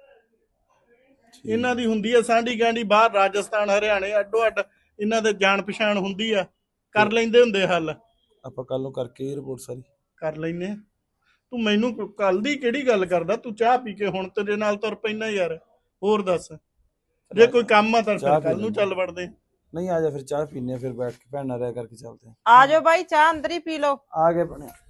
ਇਹਨਾਂ ਦੀ ਹੁੰਦੀ ਆ ਸਾਂਢੀ ਗਾਂਢੀ ਬਾਹਰ ਰਾਜਸਥਾਨ ਹਰਿਆਣੇ ਅੱਡੋ ਅੱਡ, ਇਹਨਾਂ ਦੇ ਜਾਣ ਪਛਾਣ ਹੁੰਦੀ ਆ, ਕਰ ਲੈਂਦੇ ਹੁੰਦੇ ਹੱਲ। ਆਪਾਂ ਕੱਲ ਨੂੰ ਕਰਕੇ ਰਿਪੋਰਟ ਸਾਰੀ ਕਰ ਲੈਨੇ ਆ। ਤੂੰ ਮੈਨੂੰ ਕੱਲ ਦੀ ਕਿਹੜੀ ਗੱਲ ਕਰਦਾ? ਤੂੰ ਚਾਹ ਪੀ ਕੇ ਹੁਣ ਤੇਰੇ ਨਾਲ ਤੁਰ ਪੈਣਾ ਯਾਰ। ਹੋਰ ਦੱਸ, ਜੇ ਕੋਈ ਕੰਮ ਆ ਤਾਂ ਫਿਰ ਕੱਲ ਨੂੰ ਚੱਲ ਵੜਦੇ। ਨਹੀਂ, ਆ ਜਾ ਫਿਰ ਚਾਹ ਪੀਨੇ, ਫਿਰ ਬੈਠ ਕੇ ਭੈਣ ਨਾਲ ਰਹਿ ਕਰਕੇ ਚੱਲਦੇ ਆ ਜਾਓ ਬਾਈ, ਚਾਹ ਅੰਦਰ ਹੀ ਪੀ ਲਓ। ਆ ਗਏ ਬਣਿਆ।